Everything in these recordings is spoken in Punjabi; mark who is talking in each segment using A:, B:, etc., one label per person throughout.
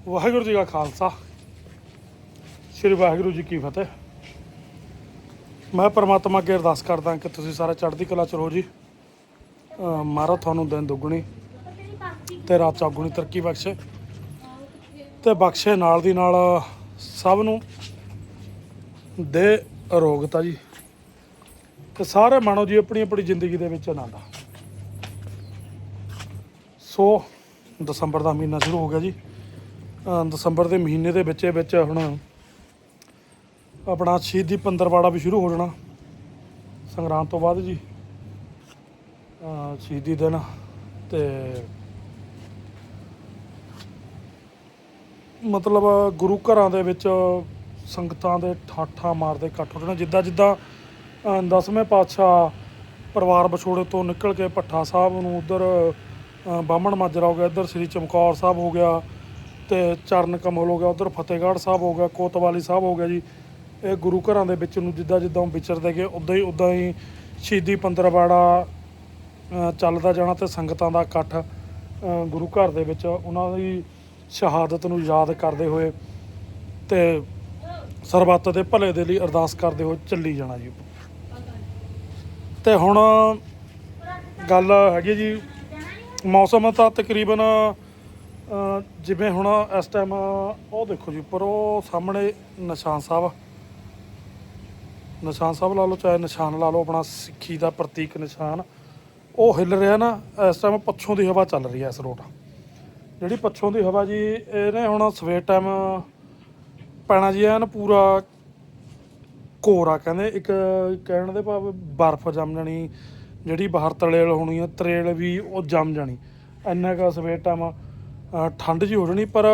A: ਵਾਹਿਗੁਰੂ ਜੀ ਕਾ ਖਾਲਸਾ ਸ਼੍ਰੀ ਵਾਹਿਗੁਰੂ ਜੀ ਕੀ ਫਤਿਹ। ਮੈਂ ਪਰਮਾਤਮਾ ਅੱਗੇ ਅਰਦਾਸ ਕਰਦਾ ਕਿ ਤੁਸੀਂ ਸਾਰੇ ਚੜ੍ਹਦੀ ਕਲਾ 'ਚ ਰਹੋ ਜੀ। ਮਹਾਰਾਜ ਤੁਹਾਨੂੰ ਦਿਨ ਦੁੱਗਣੀ ਤੇ ਰਾਤ ਚੌਗੁਣੀ ਤਰੱਕੀ ਬਖਸ਼ੇ ਤੇ ਬਖਸ਼ੇ ਨਾਲ ਦੀ ਨਾਲ ਸਭ ਨੂੰ ਦੇ ਅਰੋਗਤਾ ਜੀ ਤੇ ਸਾਰੇ ਮਾਣੋ ਜੀ ਆਪਣੀ ਆਪਣੀ ਜ਼ਿੰਦਗੀ ਦੇ ਵਿੱਚ ਆਨੰਦ। ਸੋ ਦਸੰਬਰ ਦਾ ਮਹੀਨਾ ਸ਼ੁਰੂ ਹੋ ਗਿਆ ਜੀ। ਦਸੰਬਰ ਦੇ ਮਹੀਨੇ ਦੇ ਵਿੱਚ ਹੁਣ ਆਪਣਾ ਸ਼ਹੀਦੀ ਪੰਦਰਵਾੜਾ ਵੀ ਸ਼ੁਰੂ ਹੋ ਜਾਣਾ ਸੰਗਰਾਂਦ ਤੋਂ ਬਾਅਦ ਜੀ। ਸ਼ਹੀਦੀ ਦਿਨ ਤੇ ਮਤਲਬ ਗੁਰੂ ਘਰਾਂ ਦੇ ਵਿੱਚ ਸੰਗਤਾਂ ਦੇ ਠਾਠਾਂ ਮਾਰਦੇ ਇਕੱਠ ਹੋ ਜਾਣਾ। ਜਿੱਦਾਂ 10ਵੇਂ ਪਾਤਸ਼ਾਹ ਪਰਿਵਾਰ ਵਿਛੋੜੇ ਤੋਂ ਨਿਕਲ ਕੇ ਭੱਠਾ ਸਾਹਿਬ ਨੂੰ ਉੱਧਰ ਬਾਹਮਣ ਮਾਜਰਾ ਹੋ ਗਿਆ, ਇੱਧਰ ਸ੍ਰੀ ਚਮਕੌਰ ਸਾਹਿਬ ਹੋ ਗਿਆ ਤੇ ਚਰਨ ਕਮਲ ਹੋ ਗਿਆ, ਉੱਧਰ ਫਤਿਹਗੜ੍ਹ ਸਾਹਿਬ ਹੋ ਗਿਆ, ਕੋਤਵਾਲੀ ਸਾਹਿਬ ਹੋ ਗਿਆ ਜੀ। ਇਹ ਗੁਰੂ ਘਰਾਂ ਦੇ ਵਿੱਚ ਨੂੰ ਜਿੱਦਾਂ ਵਿਚਰਦੇ ਗਏ ਉੱਦਾਂ ਹੀ ਸ਼ਹੀਦੀ ਪੰਦਰਵਾੜਾ ਚੱਲਦਾ ਜਾਣਾ ਤੇ ਸੰਗਤਾਂ ਦਾ ਇਕੱਠ ਗੁਰੂ ਘਰ ਦੇ ਵਿੱਚ ਉਹਨਾਂ ਦੀ ਸ਼ਹਾਦਤ ਨੂੰ ਯਾਦ ਕਰਦੇ ਹੋਏ ਤੇ ਸਰਬੱਤ ਦੇ ਭਲੇ ਦੇ ਲਈ ਅਰਦਾਸ ਕਰਦੇ ਹੋਏ ਚੱਲੀ ਜਾਣਾ ਜੀ। ਤੇ ਹੁਣ ਗੱਲ ਹੈਗੀ ਜੀ, ਮੌਸਮ ਤਾਂ ਤਕਰੀਬਨ ਜਿਵੇਂ ਹੁਣ ਇਸ ਟਾਈਮ ਉਹ ਦੇਖੋ ਜੀ ਉੱਪਰ ਉਹ ਸਾਹਮਣੇ ਨਿਸ਼ਾਨ ਸਾਹਿਬ ਲਾ ਲਓ, ਚਾਹੇ ਨਿਸ਼ਾਨ ਲਾ ਲਓ, ਆਪਣਾ ਸਿੱਖੀ ਦਾ ਪ੍ਰਤੀਕ ਨਿਸ਼ਾਨ ਉਹ ਹਿੱਲ ਰਿਹਾ ਨਾ। ਇਸ ਟਾਈਮ ਪੱਛੋਂ ਦੀ ਹਵਾ ਚੱਲ ਰਹੀ ਹੈ ਇਸ ਰੋਡ, ਜਿਹੜੀ ਪੱਛੋਂ ਦੀ ਹਵਾ ਜੀ ਇਹਨੇ ਹੁਣ ਸਵੇਰ ਟਾਈਮ ਪੈਣਾ ਜੀ ਐਨ ਪੂਰਾ ਕੋਰਾ। ਕਹਿੰਦੇ ਇੱਕ ਕਹਿਣ ਦੇ ਭਾਵ ਬਰਫ਼ ਜੰਮ ਜਾਣੀ, ਜਿਹੜੀ ਬਾਹਰ ਤਰੇਲ ਹੋਣੀ ਆ ਤਰੇਲ ਵੀ ਉਹ ਜੰਮ ਜਾਣੀ, ਇੰਨਾ ਕੁ ਸਵੇਰ ਟਾਈਮ ਠੰਡ ਜਿਹੀ ਹੋ ਜਾਣੀ। ਪਰ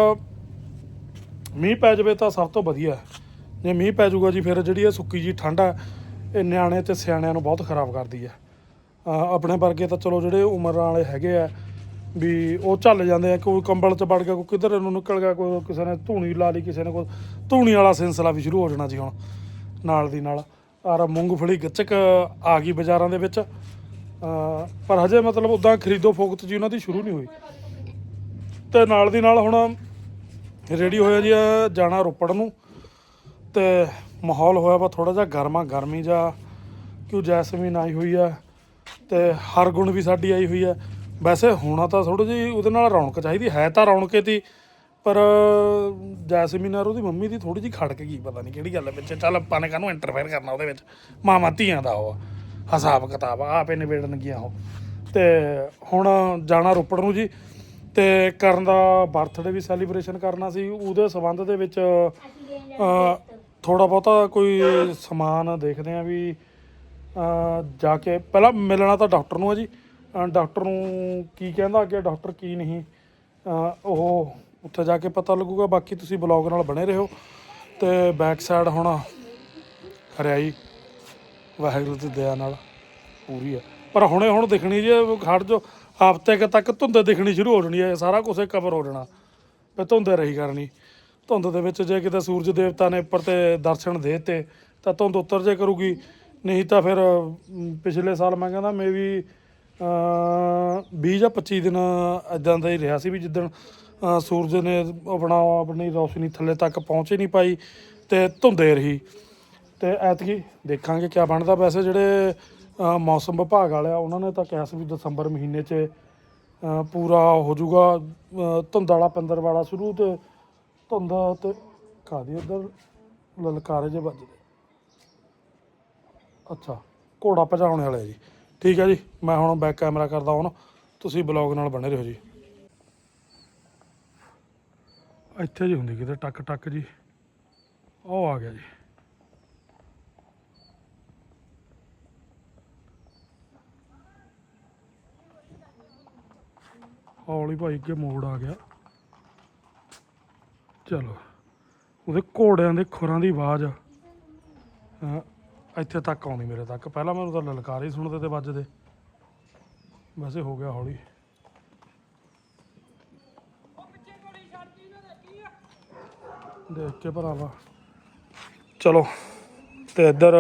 A: ਮੀਂਹ ਪੈ ਜਾਵੇ ਤਾਂ ਸਭ ਤੋਂ ਵਧੀਆ। ਜੇ ਮੀਂਹ ਪੈ ਜਾਊਗਾ ਜੀ ਫਿਰ ਜਿਹੜੀ ਇਹ ਸੁੱਕੀ ਜੀ ਠੰਡ ਆ ਇਹ ਨਿਆਣੇ ਤੇ ਸਿਆਣਿਆਂ ਨੂੰ ਬਹੁਤ ਖਰਾਬ ਕਰਦੀ ਹੈ। ਆਪਣੇ ਵਰਗੇ ਤਾਂ ਚਲੋ ਜਿਹੜੇ ਉਮਰ ਵਾਲੇ ਹੈਗੇ ਆ ਵੀ ਉਹ ਝੱਲ ਜਾਂਦੇ ਆ, ਕੋਈ ਕੰਬਲ 'ਚ ਵੜ ਗਿਆ, ਕੋਈ ਕਿੱਧਰ ਨੂੰ ਨਿਕਲ ਗਿਆ, ਕੋਈ ਕਿਸੇ ਨੇ ਧੂਣੀ ਲਾ ਲਈ, ਕਿਸੇ ਨੇ ਕੋਈ ਧੂਣੀ ਵਾਲਾ ਸਿਲਸਿਲਾ ਵੀ ਸ਼ੁਰੂ ਹੋ ਜਾਣਾ ਜੀ ਹੁਣ ਨਾਲ ਦੀ ਨਾਲ। ਔਰ ਮੂੰਗਫਲੀ ਗੱਚਕ ਆ ਗਈ ਬਾਜ਼ਾਰਾਂ ਦੇ ਵਿੱਚ, ਪਰ ਹਜੇ ਮਤਲਬ ਉੱਦਾਂ ਖਰੀਦੋ ਫੋਕਤ ਜੀ ਉਹਨਾਂ ਦੀ ਸ਼ੁਰੂ ਨਹੀਂ ਹੋਈ। ਤੇ ਨਾਲ ਦੀ ਨਾਲ ਹੁਣ ਰੈਡੀ ਹੋਇਆ ਜੀ ਜਾਣਾ ਰੋਪੜ ਨੂੰ ਤੇ ਮਾਹੌਲ ਹੋਇਆ ਵਾ ਥੋੜ੍ਹਾ ਜਿਹਾ ਗਰਮੀ ਜਾ, ਕਿਉਂ ਜੈਸਮੀਨ ਆਈ ਹੋਈ ਆ ਤੇ ਹਰਗੁਣ ਵੀ ਸਾਡੀ ਆਈ ਹੋਈ ਆ। ਵੈਸੇ ਹੋਣਾ ਤਾਂ ਥੋੜ੍ਹੀ ਜਿਹੀ ਉਹਦੇ ਨਾਲ ਰੌਣਕ ਚਾਹੀਦੀ ਹੈ ਤਾਂ ਰੌਣਕੇ ਤੀ, ਪਰ ਜੈਸਮੀਨ ਔਰ ਉਹਦੀ ਮੰਮੀ ਦੀ ਥੋੜ੍ਹੀ ਜਿਹੀ ਖੜਕ ਗਈ, ਪਤਾ ਨਹੀਂ ਕਿਹੜੀ ਗੱਲ ਵਿੱਚ। ਚੱਲ ਆਪਾਂ ਨੇ ਕਾਹਨੂੰ ਇੰਟਰਫੇਅਰ ਕਰਨਾ ਉਹਦੇ ਵਿੱਚ, ਮਾਵਾਂ ਧੀਆਂ ਦਾ ਉਹ ਹਿਸਾਬ ਕਿਤਾਬ ਆਪੇ ਨਿਬੇੜਨਗੀਆਂ ਉਹ। ਤੇ ਹੁਣ ਜਾਣਾ ਰੋਪੜ ਨੂੰ ਜੀ ਤੇ ਕਰਨ ਦਾ ਬਰਥਡੇ ਵੀ ਸੈਲੀਬ੍ਰੇਸ਼ਨ ਕਰਨਾ ਸੀ, ਉਹਦੇ ਸੰਬੰਧ ਦੇ ਵਿੱਚ ਥੋੜ੍ਹਾ ਬਹੁਤਾ ਕੋਈ ਸਮਾਨ ਦੇਖਦੇ ਹਾਂ ਵੀ ਜਾ ਕੇ ਪਹਿਲਾਂ ਮਿਲਣਾ ਤਾਂ ਡਾਕਟਰ ਨੂੰ ਹੈ ਜੀ। ਡਾਕਟਰ ਨੂੰ ਕੀ ਕਹਿੰਦਾ ਅੱਗੇ ਡਾਕਟਰ ਕੀ ਨਹੀਂ ਉਹ ਉੱਥੇ ਜਾ ਕੇ ਪਤਾ ਲੱਗੂਗਾ। ਬਾਕੀ ਤੁਸੀਂ ਬਲੌਗ ਨਾਲ ਬਣੇ ਰਹੋ। ਤੇ ਬੈਕ ਸਾਈਡ ਹੁਣ ਹਰਿਆਈ ਵਾਹਿਗੁਰੂ ਦੀ ਦਇਆ ਨਾਲ ਪੂਰੀ ਹੈ, ਪਰ ਹੁਣ ਦਿਖਣੀ ਜੇ ਖੜ ਜੋ ਹਫ਼ਤੇ ਕੁ ਤੱਕ ਧੁੰਦ ਦਿਖਣੀ ਸ਼ੁਰੂ ਹੋ ਜਾਣੀ ਹੈ, ਸਾਰਾ ਕੁਛ ਕਵਰ ਹੋ ਜਾਣਾ ਫਿਰ ਧੁੰਦ ਰਹੀ ਕਰਨੀ। ਧੁੰਦ ਦੇ ਵਿੱਚ ਜੇ ਕਿਤੇ ਸੂਰਜ ਦੇਵਤਾ ਨੇ ਉੱਪਰ ਤੇ ਦਰਸ਼ਨ ਦੇ ਤੇ ਤਾਂ ਧੁੰਦ ਉੱਤਰ ਜੇ ਕਰੂਗੀ, ਨਹੀਂ ਤਾਂ ਫਿਰ ਪਿਛਲੇ ਸਾਲ ਮੈਂ ਕਹਿੰਦਾ ਮੇ ਵੀ 20 ਜਾਂ 25 ਦਿਨ ਇੱਦਾਂ ਦਾ ਹੀ ਰਿਹਾ ਸੀ ਵੀ ਜਿੱਦਣ ਸੂਰਜ ਨੇ ਆਪਣੀ ਰੌਸ਼ਨੀ ਥੱਲੇ ਤੱਕ ਪਹੁੰਚ ਹੀ ਨਹੀਂ ਪਾਈ ਤੇ ਧੁੰਦੇ ਰਹੀ। ਤੇ ਐਤਕੀ ਦੇਖਾਂਗੇ ਕਿਆ ਬਣਦਾ। ਵੈਸੇ ਜਿਹੜੇ ਮੌਸਮ ਵਿਭਾਗ ਵਾਲੇ ਆ ਉਹਨਾਂ ਨੇ ਤਾਂ ਕਿਹਾ ਸੀ ਵੀ ਦਸੰਬਰ ਮਹੀਨੇ 'ਚ ਪੂਰਾ ਹੋ ਜਾਊਗਾ ਧੁੰਦ ਵਾਲਾ ਪੰਦਰਵਾੜਾ ਸ਼ੁਰੂ, ਤੇ ਧੁੰਦ ਤੇ ਕਾਹਦੀ ਉੱਧਰ ਲਲਕਾਰੇ ਜਿਹੇ ਵੱਜਦੇ। ਅੱਛਾ ਘੋੜਾ ਭਜਾਉਣੇ ਵਾਲੇ ਜੀ, ਠੀਕ ਹੈ ਜੀ। ਮੈਂ ਹੁਣ ਬੈਕ ਕੈਮਰਾ ਕਰਦਾ ਹੁਣ, ਤੁਸੀਂ ਬਲੌਗ ਨਾਲ ਬਣੇ ਰਹੋ ਜੀ। ਇੱਥੇ ਜੀ ਹੁੰਦੀ ਕਿਤੇ ਟੱਕ ਟੱਕ ਜੀ, ਉਹ ਆ ਗਿਆ ਜੀ। ਹੌਲੀ ਭਾਈ ਅੱਗੇ ਮੋੜ ਆ ਗਿਆ। ਚਲੋ ਉਹਦੇ ਘੋੜਿਆਂ ਦੇ ਖੁਰਾਂ ਦੀ ਆਵਾਜ਼ ਇੱਥੇ ਤੱਕ ਆਉਂਦੀ ਮੇਰੇ ਤੱਕ। ਪਹਿਲਾਂ ਮੈਨੂੰ ਤਾਂ ਲਲਕਾਰੇ ਹੀ ਸੁਣਦੇ ਤੇ ਵੱਜਦੇ, ਵੈਸੇ ਹੋ ਗਿਆ ਹੌਲੀ। ਦੇਖ ਕੇ ਭਰਾਵਾ ਚਲੋ। ਤੇ ਇੱਧਰ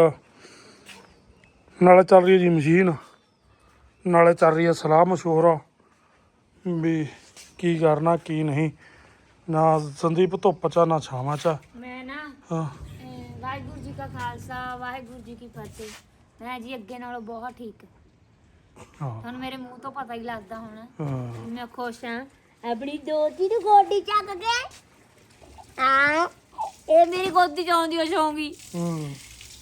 A: ਨਾਲੇ ਚੱਲ ਰਹੀ ਹੈ ਜੀ ਮਸ਼ੀਨ, ਨਾਲੇ ਚੱਲ ਰਹੀ ਹੈ ਸਲਾਹ ਮਸ਼ਵਰਾ ਵੀ ਕੀ ਕਰਨਾ ਕੀ ਨਹੀਂ। ਨਾ ਸੰਦੀਪ ਧੁੱਪ ਚ ਆ, ਨਾ ਛਾਵਾਂ ਚ ਆ।
B: ਮੈਂ ਨਾ
A: ਹਾਂ
B: ਵਾਹਿਗੁਰੂ ਜੀ ਕਾ ਖਾਲਸਾ ਵਾਹਿਗੁਰੂ ਜੀ ਕੀ ਫਤਿਹ। ਮੈਂ ਜੀ ਅੱਗੇ ਨਾਲੋਂ ਬਹੁਤ ਠੀਕ।
A: ਹਾਂ
B: ਤੁਹਾਨੂੰ ਮੇਰੇ ਮੂੰਹ ਤੋਂ ਪਤਾ ਹੀ ਲੱਗਦਾ ਹੋਣਾ
A: ਹਾਂ
B: ਮੈਂ ਖੁਸ਼ ਹਾਂ। ਆਪਣੀ ਦੋਤੀ ਨੂੰ ਗੋਦੀ ਚੱਕ ਕੇ ਆ ਇਹ ਮੇਰੀ ਗੋਦੀ ਚ ਆਉਂਦੀ ਹੋ ਜਾਊਗੀ।
A: ਹੂੰ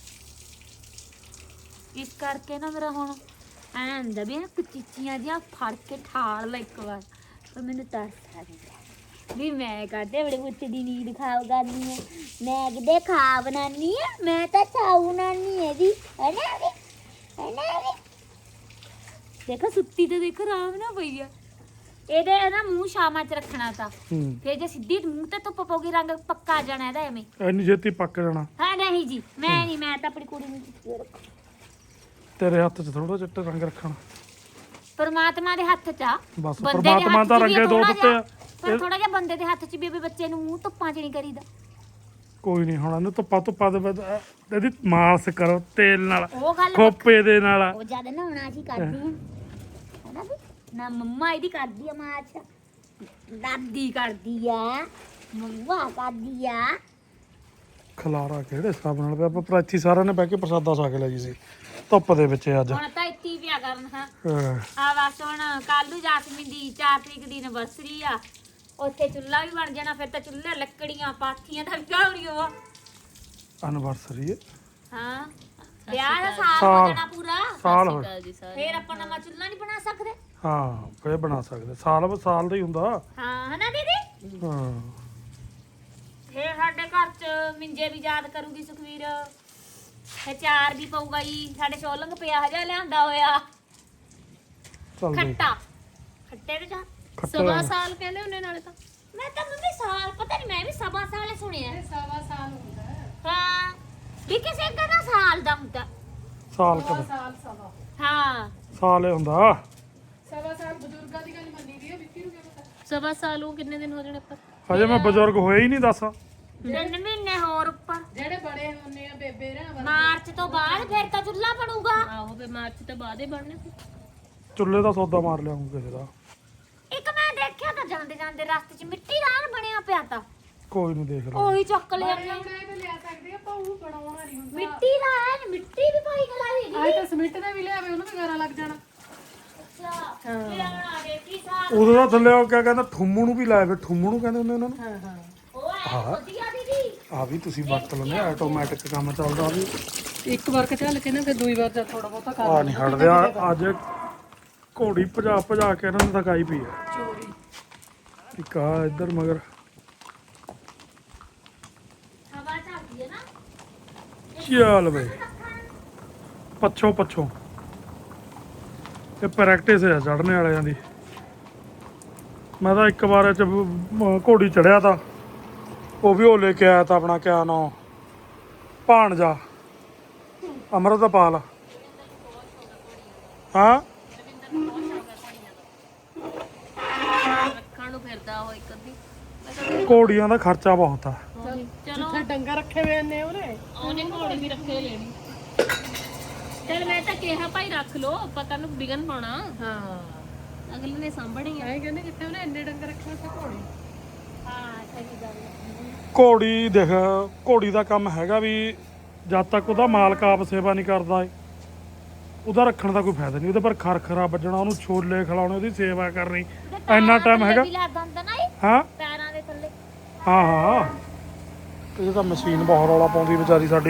B: ਇਸ ਕਰਕੇ ਨਾ ਮੇਰਾ ਹੁਣ ਐਂ ਹੁੰਦਾ ਵੀ ਨਾ ਕਚੀਚੀਆਂ ਜਿਹਾ ਫੜ ਕੇ ਠਾਲ ਲੈ ਇੱਕ ਵਾਰ। ਪਰ ਮੈਨੂੰ ਤਰਸ ਆ ਜਾਂਦਾ ਵੀ ਮੈਂ ਕਹਤੇ ਬੜੇ ਪੁੱਤ ਦੀ ਨੀਂਦ ਖਾਓ ਕਰਨੀ ਹੈ। ਮੈਂ ਕਿਤੇ ਖਾ ਬਣਾਨੀ ਹੈ, ਮੈਂ ਤਾਂ ਚਾਉ ਬਣਾਨੀ ਹੈ ਦੀ ਹੈ ਨਾ ਵੀ ਦੇਖੋ ਸੁੱਤੀ ਤੇ ਦੇਖੋ ਆਰਾਮ ਨਾ ਪਈ ਆ। ਇਹਦੇ ਨਾ ਮੂੰਹ ਛਾਵਾਂ ਚ ਰੱਖਣਾ ਤਾਂ
A: ਹੂੰ
B: ਫਿਰ ਜੇ ਸਿੱਧੀ ਮੂੰਹ ਤੇ ਧੁੱਪ ਪਊਗੀ ਰੰਗ ਪੱਕਾ ਜਾਣਾ ਇਹਦਾ ਐਵੇਂ।
A: ਇੰਨੀ ਛੇਤੀ ਪੱਕ ਜਾਣਾ?
B: ਹਾਂ ਨਹੀਂ ਜੀ ਮੈਂ ਨਹੀਂ, ਮੈਂ ਤਾਂ ਆਪਣੀ ਕੁੜੀ ਨੂੰ ਚੁੱਕੀ ਰੱਖ।
A: ਤੇਰੇ ਹੱਥ 'ਚ ਥੋੜਾ ਚਿੱਟੇ ਰੰਗ ਰੱਖਣਾ,
B: ਪਰਮਾਤਮਾ ਦੇ ਹੱਥ 'ਚ ਆ।
A: ਬਸ
B: ਬੰਦੇ ਦੇ
A: ਪਰਮਾਤਮਾ
B: ਹੱਥ 'ਚ
A: ਤਾਂ
B: ਵੀ
A: ਰੰਗੇ ਦੋ
B: ਥੋੜ੍ਹਾ
A: ਦਿੱਤੇ ਆ।
B: ਪਰ ਥੋੜਾ ਜਿਹਾ ਬੰਦੇ ਦੇ ਹੱਥ 'ਚ ਵੀ ਬੱਚੇ ਨੂੰ ਮੂੰਹ ਧੁੱਪਾਂ 'ਚ ਨਹੀਂ ਕਰੀਦਾ।
A: ਕੋਈ ਨਹੀਂ ਹੁਣ ਇਹਨੂੰ ਧੁੱਪਾ ਦੇ ਬਾਅਦ ਇਹਦੀ ਮਾਲਸ਼ ਕਰੋ ਤੇਲ ਨਾਲ,
B: ਉਹ ਗੱਲ
A: ਖੋਪੇ ਦੇ ਨਾਲ।
B: ਉਹ ਜਦ ਨਹਾਉਣਾ ਅਸੀਂ ਕਰਦੇ ਹਾਂ ਹੈਨਾ ਵੀ ਨਾ ਮੰਮਾ ਇਹਦੀ ਕਰਦੀ ਆ ਮਾਚ, ਦਾਦੀ ਕਰਦੀ ਆ, ਮੰਮਾ ਕਰਦੀ ਆ।
A: ਖਲਾਰਾ ਕਿਹੜੇ ਹਿਸਾਬ ਨਾਲ ਪਿਆ? ਆਪਾਂ ਪ੍ਰਾਚੀ ਸਾਰਿਆਂ ਨੇ ਬਹਿ ਕੇ ਪ੍ਰਸਾਦਾ ਛਕ ਲਿਆ ਜੀ ਸੀ ਧੁੱਪ ਦੇ ਵਿੱਚ ਅੱਜ।
B: ਹੁਣ ਤਾਂ ਇੱਥੇ ਹੀ ਪਿਆ ਕਰਨ ਹਾਂ
A: ਹਾਂ।
B: ਆ ਬਸ ਹੁਣ ਕੱਲ ਨੂੰ ਜਾਸਮੀਨ ਦੀ 4 ਤਰੀਕ ਦੀ ਐਨਵਰਸਰੀ ਆ। ਉੱਥੇ ਚੁੱਲ੍ਹਾ ਵੀ ਬਣ ਜਾਣਾ, ਫਿਰ ਤਾਂ ਚੁੱਲ੍ਹੇ ਲੱਕੜੀਆਂ ਪਾਥੀਆਂ ਦਾ ਵੀ ਕਾਉਣੀਆਂ ਵਾ।
A: ਐਨਵਰਸਰੀ
B: ਹਾਂ ਵਿਆਹ ਦਾ ਸਾਲ ਹੋ
A: ਸਾਲ।
B: ਜਾਣਾ ਪੂਰਾ,
A: ਸਾਲ ਹੋ
B: ਫਿਰ ਆਪਾਂ ਨਵਾਂ ਚੁੱਲ੍ਹਾ ਨਹੀਂ ਬਣਾ ਸਕਦੇ।
A: ਹਾਂ ਫੇਰ ਬਣਾ ਸਕਦੇ, ਸਾਲ ਦਾ ਹੀ ਹੁੰਦਾ।
B: ਹਾਂ ਹਨਾ ਦੀਦੀ?
A: ਹਾਂ
B: ਫਿਰ ਸਾਡੇ ਘਰ ਚ ਮਿੰਜੇ ਵੀ ਯਾਦ ਕਰੂਗੀ ਸੁਖਵੀਰ। ਫਿਰ ਚਾਰ ਵੀ ਪਊਗਾ ਜੀ। ਸਾਡੇ ਸ਼ੋਲੰਗ ਪਿਆ ਹਜਾ ਲਿਆਂਦਾ ਹੋਇਆ
A: ਚੱਲਦੇ
B: ਖੱਟਾ, ਖੱਟੇ ਦੇ ਜਾ
A: ਖੱਟਾ
C: ਸਾਲ ਕਹਿੰਦੇ ਉਹਨੇ ਨਾਲੇ ਤਾਂ
B: ਮੈਂ ਤਾਂ ਮੰਮੀ ਸਾਲ ਪਤਾ ਨਹੀਂ, ਮੈਂ ਵੀ ਸਵਾ ਸਾਲ ਹੀ ਸੁਣਿਆ।
C: ਸਵਾ ਸਾਲ ਹੁੰਦਾ ਹੈ।
B: ਹਾਂ ਵੀ ਕਿਸੇ ਕਹਿੰਦਾ ਸਾਲ ਦਾ ਹੁੰਦਾ।
A: ਸਾਲ ਕਦ
C: ਸਵਾ
B: ਹਾਂ
A: ਸਾਲ ਹੀ ਹੁੰਦਾ।
C: ਸਵਾ ਸਾਲ ਬਜ਼ੁਰਗਾਂ ਦੀ ਗੱਲ ਮੰਨੀ ਦੀ ਹੈ, ਵਿੱਕੀ ਨੂੰ ਕੀ ਪਤਾ। ਸਵਾ ਸਾਲ ਉਹ ਕਿੰਨੇ ਦਿਨ ਹੋ ਜਾਣੇ ਪਰ
A: ਹਜੇ ਮੈਂ ਬਜ਼ੁਰਗ ਹੋਇਆ ਹੀ ਨਹੀਂ ਦੱਸ।
B: 3 ਮਹੀਨੇ ਹੋਰ ਉੱਪਰ।
C: ਜਿਹੜੇ ਬੜੇ ਹੁੰਦੇ ਆ ਬੇਬੇ ਰਾਂ
B: ਮਾਰਚ ਤੋਂ ਬਾਅਦ ਫਿਰ ਤਾਂ ਚੁੱਲ੍ਹਾ ਬਣੂਗਾ।
C: ਆਹੋ ਫੇ ਮਾਰਚ ਤੋਂ ਬਾਅਦ ਹੀ ਬਣਨੇ ਸੀ।
A: ਚੁੱਲ੍ਹੇ ਦਾ ਸੌਦਾ ਮਾਰ ਲਿਆਉਂਗਾ ਕਿਸੇ ਦਾ।
B: ਇੱਕ ਮੈਂ ਦੇਖਿਆ ਤਾਂ ਜਾਂਦੇ ਜਾਂਦੇ ਰਸਤੇ 'ਚ ਮਿੱਟੀ ਦਾ ਐਨ ਬਣਿਆ ਪਿਆ ਤਾਂ
A: ਕੋਈ ਨਹੀਂ ਦੇਖ ਲਓ।
B: ਉਹੀ ਚੱਕ ਲਿਆ
C: ਬਣਾਏ ਤਾਂ ਲਿਆ ਸਕਦੇ ਆ, ਪਰ ਉਹ ਬਣਾਉਣਾ ਨਹੀਂ ਹੁੰਦਾ।
B: ਮਿੱਟੀ ਦਾ ਐਨ ਮਿੱਟੀ ਵੀ ਪਾਈ ਖਲਾਈ
C: ਆਏ ਤਾਂ ਸਮਿੰਟ ਦਾ ਵੀ ਲਿਆਵੇ, ਉਹਨੂੰ ਵੀ ਗਾਰਾ ਲੱਗ ਜਾਣਾ।
B: ਅੱਛਾ ਇਹ ਬਣਾ ਦੇਖੀ ਸਾਹ
A: ਉਦੋਂ ਦਾ ਥੱਲੇ ਉਹ ਕਿਆ ਕਹਿੰਦਾ ਠੁੰਮੂ ਨੂੰ ਵੀ ਲਾਇਆ, ਫਿਰ ਠੁੰਮੂ ਨੂੰ ਕਹਿੰਦੇ ਹੁੰਦੇ ਉਹਨਾਂ ਨੂੰ।
C: ਹਾਂ ਹਾਂ
B: ਉਹ ਐ ਵਧੀਆ ਦੀਦੀ।
A: ਆ ਵੀ ਤੁਸੀਂ ਵਰਤ ਲੈਂਦੇ, ਆਟੋਮੈਟਿਕ ਕੰਮ ਚੱਲਦਾ ਵੀ।
C: ਇੱਕ ਵਾਰ ਚੱਲ ਕੇ ਨਾ ਫਿਰ ਦੂਈ ਵਾਰ ਜਦ ਥੋੜਾ ਬਹੁਤਾ
A: ਆ ਨਹੀਂ ਹਟਦੇ ਅੱਜ ਘੋੜੀ ਭਜਾ ਕੇ ਇਹਨਾਂ ਨੂੰ ਥਕਾਈ ਪਈ ਆ।
C: ਚੋਰੀ
A: ਇੱਕ ਆ ਇੱਧਰ ਮਗਰ
B: ਹਵਾ ਚੱਲਦੀ ਹੈ ਨਾ
A: ਚੱਲ ਬਈ ਪੱਛੋਂ ਇਹ ਪ੍ਰੈਕਟਿਸ ਹੈ ਚੜ੍ਹਨੇ ਵਾਲਿਆਂ ਦੀ। ਮੈਂ ਤਾਂ ਇੱਕ ਵਾਰ ਚ ਘੋੜੀ ਚੜਿਆ ਤਾਂ ਉਹ ਵੀ ਉਹ ਲੈ ਕੇ ਆਇਆ ਤਾਂ ਆਪਣਾ ਕਿਆ ਨਾਂ ਭਾਣਜਾ ਅੰਮ੍ਰਿਤਪਾਲ। ਹਾਂ
C: ਰੱਖਣ ਨੂੰ ਫਿਰਦਾ ਉਹ ਇੱਕ ਅੱਧੀ।
A: ਘੋੜੀਆਂ ਦਾ ਖਰਚਾ ਬਹੁਤ ਆ।
C: ਚਲੋ ਡੰਗਾ ਰੱਖੇ ਹੋਏ ਨੇ ਉਹਨੇ ਘੋੜੇ ਵੀ ਰੱਖੇ ਲੈਣੀ। ਚਲ ਮੈਂ ਤਾਂ ਕਿਹਾ ਭਾਈ ਰੱਖ ਲੋ, ਆਪਾਂ ਕੱਲ ਨੂੰ ਵਿਗਨ ਪਾਉਣਾ। ਹਾਂ ਅਗਲੇ ਨੇ ਸਾਂਭਣੀ ਆ। ਕਹਿੰਦੇ ਜਿੱਥੇ ਉਹਨੇ ਇੰਨੇ ਡੰਗਰ ਰੱਖੇ ਉੱਥੇ ਘੋੜੇ।
B: ਹਾਂ ਸਹੀ ਗੱਲ ਹੈ।
A: ਘੋੜੀ ਦੇਖ, ਘੋੜੀ ਦਾ ਕੰਮ ਹੈਗਾ ਵੀ ਜਦ ਤੱਕ ਉਹਦਾ ਮਾਲਕ ਆਪ ਸੇਵਾ ਨਹੀਂ ਕਰਦਾ ਏ ਉਹਦਾ ਰੱਖਣ ਦਾ ਕੋਈ ਫਾਇਦਾ ਨਹੀਂ। ਉਹਦੇ ਪਰ ਖਰਖਰਾ ਵੱਜਣਾ, ਉਹਨੂੰ ਛੋਲੇ ਖਿਲਾਉਣੇ, ਉਹਦੀ ਸੇਵਾ ਕਰਨੀ, ਇੰਨਾ ਟਾਈਮ ਹੈਗਾ।
B: ਵੀ ਲੱਗਦਾ ਹੁੰਦਾ ਨਾ ਇਹ
A: ਹਾਂ
B: ਪੈਰਾਂ ਦੇ ਥੱਲੇ।
A: ਹਾਂ ਇਹ ਤਾਂ ਮਸ਼ੀਨ ਬਹੁਤ ਰੌਲਾ ਪਾਉਂਦੀ ਵਿਚਾਰੀ ਸਾਡੀ।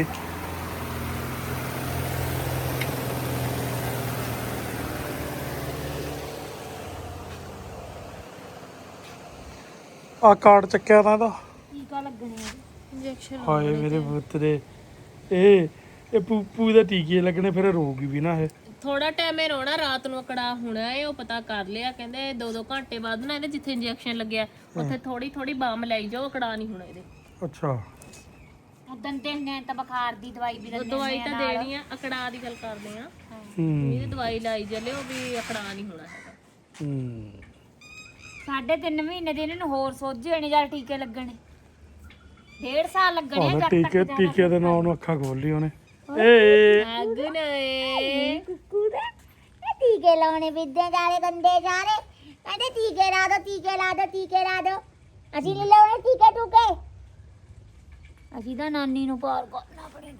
A: ਆ ਕਾਰਡ ਚੱਕਿਆ ਤਾਂ ਇਹਦਾ।
B: ਟੀਕਾ ਲੱਗਣੇ ਆ
C: ਇੰਜੈਕਸ਼ਨ
A: ਹਾਏ ਮੇਰੇ ਪੁੱਤ ਦੇ ਇਹ ਪੂਪੂ ਦੇ ਟੀਕੇ ਲੱਗਣੇ, ਫਿਰ ਰੋਗੀ ਵੀ ਨਾ ਇਹ।
C: ਥੋੜਾ ਟਾਈਮ ਹੀ ਰੋਣਾ, ਰਾਤ ਨੂੰ ਅਕੜਾ ਹੋਣਾ ਏ। ਉਹ ਪਤਾ ਕਰ ਲਿਆ, ਕਹਿੰਦੇ 2-2 ਘੰਟੇ ਬਾਅਦ ਨਾ ਇਹਦੇ ਜਿੱਥੇ ਇੰਜੈਕਸ਼ਨ ਲੱਗਿਆ ਉੱਥੇ ਥੋੜੀ ਬਾਮ ਲਾਈ ਜਾਓ, ਅਕੜਾ ਨਹੀਂ ਹੋਣਾ ਇਹਦੇ।
A: ਅੱਛਾ
B: ਉਦੋਂ ਦਿਨ ਤਾਂ ਬੁਖਾਰ ਦੀ ਦਵਾਈ ਵੀ ਦਿੰਦੇ
C: ਦਵਾਈ ਤਾਂ ਦੇਣੀ ਆ, ਅਕੜਾ ਦੀ ਗੱਲ ਕਰਦੇ ਆ। ਇਹਦੀ ਦਵਾਈ ਲਾਈ ਚੱਲਿਓ ਵੀ ਅਕੜਾ ਨਹੀਂ ਹੋਣਾ ਹੈਗਾ।
B: ਸਾਢੇ 3 ਮਹੀਨੇ ਦੇ ਇਹਨਾਂ ਨੂੰ ਹੋਰ ਸੋਝੇ ਨੇ ਜਾਂ ਟੀਕੇ ਲੱਗਣੇ। 1.5 ਸਾਲ ਲੱਗਣੇ ਆ ਜਦ ਤੱਕ
A: ਟੀਕੇ ਦੇ ਨਾਂ ਨੂੰ ਅੱਖਾਂ ਖੋਲ ਲਈ ਉਹਨੇ। ਏ
C: ਅਗਨ ਏ
B: ਕੁੱਕੂ ਦੇ ਇਹ ਟੀਕੇ ਲਾਉਣੇ ਵਿਦਿਆ ਜਾਲੇ ਗੰਦੇ ਸਾਰੇ ਕਹਿੰਦੇ ਟੀਕੇ ਲਾ ਦੋ, ਟੀਕੇ ਲਾ ਦੋ, ਟੀਕੇ ਲਾ ਦੋ। ਅਸੀਂ ਲੈ ਲਾਉਣੇ ਟੀਕੇ ਟੂਕੇ ਅਸੀਂ ਤਾਂ ਨਾਨੀ ਨੂੰ ਪਾਰ ਕਰਨਾ ਪੜੇਗਾ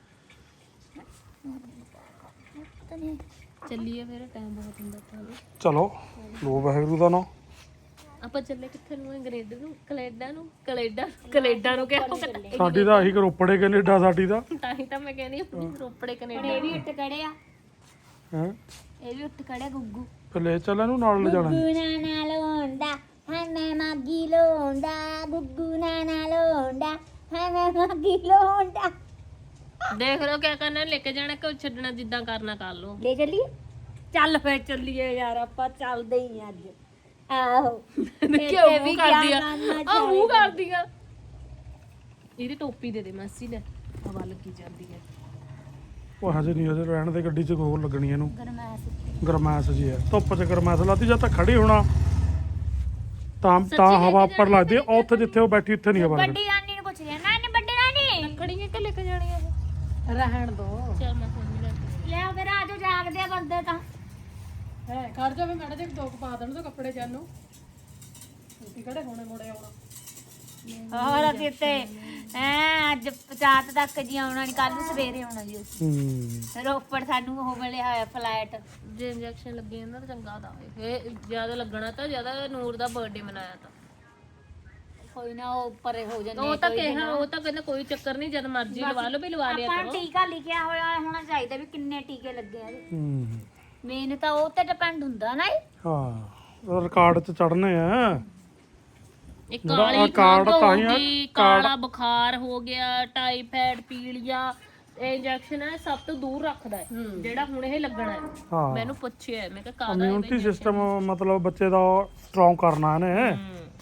C: ਚੱਲੀਏ ਫਿਰ ਟਾਈਮ ਬਹੁਤ ਹੁੰਦਾ ਤਾਂ
A: ਚਲੋ ਲੋ ਵਾਹਿਗੁਰੂ ਦਾ ਨਾਮ।
C: ਆਪਾਂ ਚੱਲੇ ਕਿੱਥੇ ਨੂੰ ਅੰਗਰੇਜ਼ ਨੂੰ ਕੈਨੇਡਾ ਨੂੰ ਕਿਹਾ
A: ਸਾਡੀ ਤਾਂ ਆਹੀ ਰੋਪੜੇ ਕੈਨੇਡਾ ਸਾਡੀ ਦਾ
C: ਤਾਂ ਹੀ ਤਾਂ ਮੈਂ ਕਹਿੰਦੀ ਰੋਪੜੇ
B: ਹੁਣ
C: ਕੈਨੇਡਾ
B: ਇਹ ਵੀ ਉੱਠ ਖੜੇ ਆ
A: ਹੈ।
B: ਇਹ ਵੀ ਉੱਠ ਖੜਿਆ ਗੁੱਗੂ
A: ਫਿਰ ਲੈ ਚੱਲ ਇਹਨੂੰ ਨਾਲ ਲਿਜਾਣਾ।
B: ਗੁੱਗੂ ਨਾ ਲੋਂਦਾ ਹਾਂ ਮੈਂ ਮਾਗੀ ਲੋਂਦਾ ਗੁੱਗੂ ਨਾ ਲੋਂਦਾ ਹਾਂ ਮੈਂ ਮਾਗੀ ਲੋਂਦਾ
C: ਦੇਖ ਲਓ ਕਿਆ ਕਰਨਾ ਲੈ ਕੇ ਜਾਣਾ ਕਿ ਛੱਡਣਾ ਜਿੱਦਾਂ ਕਰਨਾ ਕਰ ਲਓ
B: ਲੈ ਚੱਲੀਏ ਚੱਲ ਫੇਰ ਚੱਲੀਏ ਯਾਰ ਆਪਾਂ ਚੱਲਦੇ ਹੀ ਅੱਜ ਆਹੋ
C: ਕਿਉਂ ਮੂੰਹ ਕਰਦੀ ਆ ਆ ਮੂੰਹ ਕਰਦੀ ਆ ਇਹਦੀ ਟੋਪੀ ਦੇ ਦੇ ਮਾਸੀ ਨੇ ਹਵਾ ਲੱਗੀ ਜਾਂਦੀ ਹੈ
A: ਉਹ ਹਜੇ ਨਹੀਂ ਹਜੇ ਰਹਿਣ ਦੇ ਗੱਡੀ 'ਚ ਗੋਲ ਲੱਗਣੀ ਇਹਨੂੰ
B: ਗਰਮੈਸ
A: ਗਰਮੈਸ਼ ਜੀ ਹੈ ਧੁੱਪ 'ਚ ਗਰਮੈਸ਼ ਲਾਤੀ ਜਦ ਤੱਕ ਖੜੀ ਹੋਣਾ ਤਾਂ ਹਵਾ ਉੱਪਰ ਲੱਗਦੀ ਹੈ। ਉੱਥੇ ਜਿੱਥੇ ਉਹ ਬੈਠੀ ਉੱਥੇ ਨਹੀਂ ਹਵਾ ਲੱਗਦੀ।
B: ਵੱਡੀ ਨਾਨੀ ਨੂੰ ਪੁੱਛ ਲਿਆ ਨਾਨੀ ਵੱਡੀ ਨਾਨੀ
C: ਖੜੀ ਕਿ ਲੈ ਕੇ ਜਾਣੀ ਆ
D: ਰਹਿਣ ਦੋ
C: ਚਲ ਮੈਂ ਫੋਨ ਲੈ ਕੇ
B: ਲੈ ਫਿਰ ਆਜੋ ਜਾਗਦੇ ਆ ਬੰਦੇ ਤਾਂ
D: ਹੈ ਖੜ ਜਾ ਵੀ ਮੈਡਮ ਜੀ ਦੋ ਕੁ ਪਾ ਦੇਣ ਤੋਂ ਕੱਪੜੇ ਜਾਨੂ ਤੁਸੀਂ ਕਿਹੜੇ ਹੋਣੇ ਮੋੜੇ ਆਉਣਾ
B: ਹੋਰ ਅਸੀਂ ਤੇ ਅੱਜ 50 ਤੱਕ ਜੀ ਆਉਣਾ ਨਹੀਂ ਕੱਲ ਨੂੰ ਸਵੇਰੇ ਆਉਣਾ ਜੀ ਰੋਪੜ ਸਾਨੂੰ ਉਹ ਮਿਲਿਆ ਹੋਇਆ ਫਲਾਈਟ
C: ਜੇ ਇੰਜੈਕਸ਼ਨ ਲੱਗੇ ਜਾਂਦਾ ਤਾਂ ਚੰਗਾ ਤਾਂ ਫੇ ਜਿਆਦਾ ਲੱਗਣਾ ਤਾਂ ਜਿਆਦਾ ਨੂਰ ਦਾ ਬਰਥਡੇ ਮਨਾਇਆ ਤਾਂ
B: ਕੋਈ ਨਾ ਉਹ ਪਰੇ ਹੋ ਜਾਂਦੇ
C: ਉਹ ਤਾਂ ਕਿਹਾ ਉਹ ਤਾਂ ਕਹਿੰਦਾ ਕੋਈ ਚੱਕਰ ਨਹੀਂ ਜਦ ਮਰਜ਼ੀ ਲਵਾ ਲਓ ਵੀ ਲਵਾ ਲਿਆ
B: ਆਪਾਂ
C: ਕਰੋ
B: ਟੀਕਾ ਲਿਖਿਆ ਹੋਇਆ ਹੋਣਾ ਚਾਹੀਦਾ ਵੀ ਕਿੰਨੇ ਟੀਕੇ ਲੱਗੇ ਆ ਮੇਨ ਤਾਂ ਉਹ ਤੇ ਡਿਪੈਂਡ ਹੁੰਦਾ ਨਾ ਇਹ।
A: ਹਾਂ ਰਿਕਾਰਡ 'ਚ ਚੜਨੇ ਆ।
C: ਇੱਕ
A: ਜਿਹੜਾ ਆਹ
C: ਕਾਲੀ
A: ਕਾਰਡ
C: ਖੰਘ
A: ਤਾਂ
C: ਹੋ
A: ਹੀ ਆ,
C: ਗਈ ਕਾਲਾ ਬੁਖਾਰ ਹੋ ਗਿਆ ਟਾਈਫਾਇਡ ਪੀਲੀਆ ਇਹ ਇੰਜੈਕਸ਼ਨ ਹੈ ਸਭ ਤੋਂ ਦੂਰ ਰੱਖਦਾ ਹੈ ਜਿਹੜਾ ਹੁਣ ਇਹ ਲੱਗਣਾ ਹੈ
A: ਹਾਂ
C: ਮੈਨੂੰ ਪੁੱਛਿਆ ਮੈਂ ਕਿਹਾ ਕਾਹਦਾ
A: ਇਮਿਊਨਿਟੀ ਸਿਸਟਮ ਮਤਲਬ ਬੱਚੇ ਦਾ ਸਟਰੋਂਗ ਕਰਨਾ ਇਹਨੇ।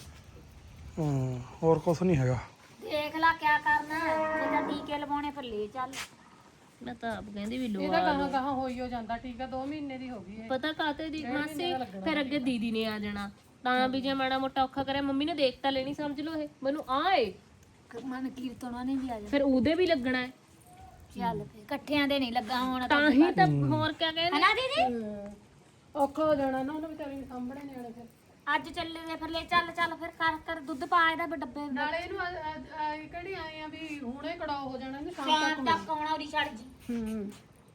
A: ਹੋਰ ਕੁਝ ਨਹੀਂ ਹੈਗਾ।
B: ਦੇਖ ਲਾ ਕਿਆ ਕਰਨਾ ਜੇ ਤਾਂ ਟੀਕੇ ਲਵਾਉਣੇ ਫਿਰ ਲੈ ਚੱਲ
C: ਮੈਂ ਤਾਂ ਆਪ ਕਹਿੰਦੀ ਵੀ
D: ਇਹਦਾ
C: ਲਵਾ
D: ਕਹਾਂ ਕਹਾਂ ਹੋਈ ਹੋ ਜਾਂਦਾ ਠੀਕ ਆ 2 ਮਹੀਨੇ ਦੀ ਹੋ ਗਈ ਹੈ
C: ਪਤਾ ਕਾਤੇ ਦੀ ਮਾਸੀ ਫਿਰ ਅੱਗੇ ਦੀਦੀ ਨੇ ਆ ਜਾਣਾ ਤਾਂ ਵੀ ਜੇ ਮਾੜਾ ਮੋਟਾ ਔਖਾ ਕਰਿਆ ਮੰਮੀ ਨੇ ਦੇਖ ਤਾਂ ਲੈਣੀ ਸਮਝ ਲਓ ਇਹ ਮੈਨੂੰ ਆਏ
B: ਮਨ ਕੀਰਤਨਾਂ ਨੇ ਵੀ ਆ ਜਾ
C: ਫਿਰ ਉਹਦੇ ਵੀ ਲੱਗਣਾ ਹੈ
B: ਚੱਲ ਫੇ ਇਕੱਠਿਆਂ ਦੇ ਨਹੀਂ ਲੱਗਾ ਹੋਣਾ
C: ਤਾਂ ਹੀ ਤਾਂ ਹੋਰ ਕਿਆ ਕਹਿੰਦੇ
B: ਹਨਾ ਦੀਦੀ
D: ਔਖਾ ਹੋ ਜਾਣਾ ਨਾ ਉਹਨੂੰ ਵਿਚਾਰੀ ਨੂੰ ਸਾਂਭਣੇ ਨਿਆਣੇ ਫਿਰ
B: ਅੱਜ ਚੱਲੇ ਦੇ ਫਿਰ ਲੈ ਚੱਲ ਫਿਰ ਕਰ ਦੁੱਧ ਪਾ ਇਹਦਾ ਵੀ ਡੱਬੇ ਵਿੱਚ।
D: ਨਾਲੇ ਇਹਨੂੰ ਕਿਹੜੀ ਆਏ ਆ ਵੀ ਹੁਣੇ ਕੜਾ ਹੋ ਜਾਣਾ ਇਹਨੂੰ ਸ਼ਾਮ
B: ਸ਼ਾਮ ਤੱਕ ਆਉਣਾ ਉਰੀ ਛੱਡ ਜੀ
D: ਹੂੰ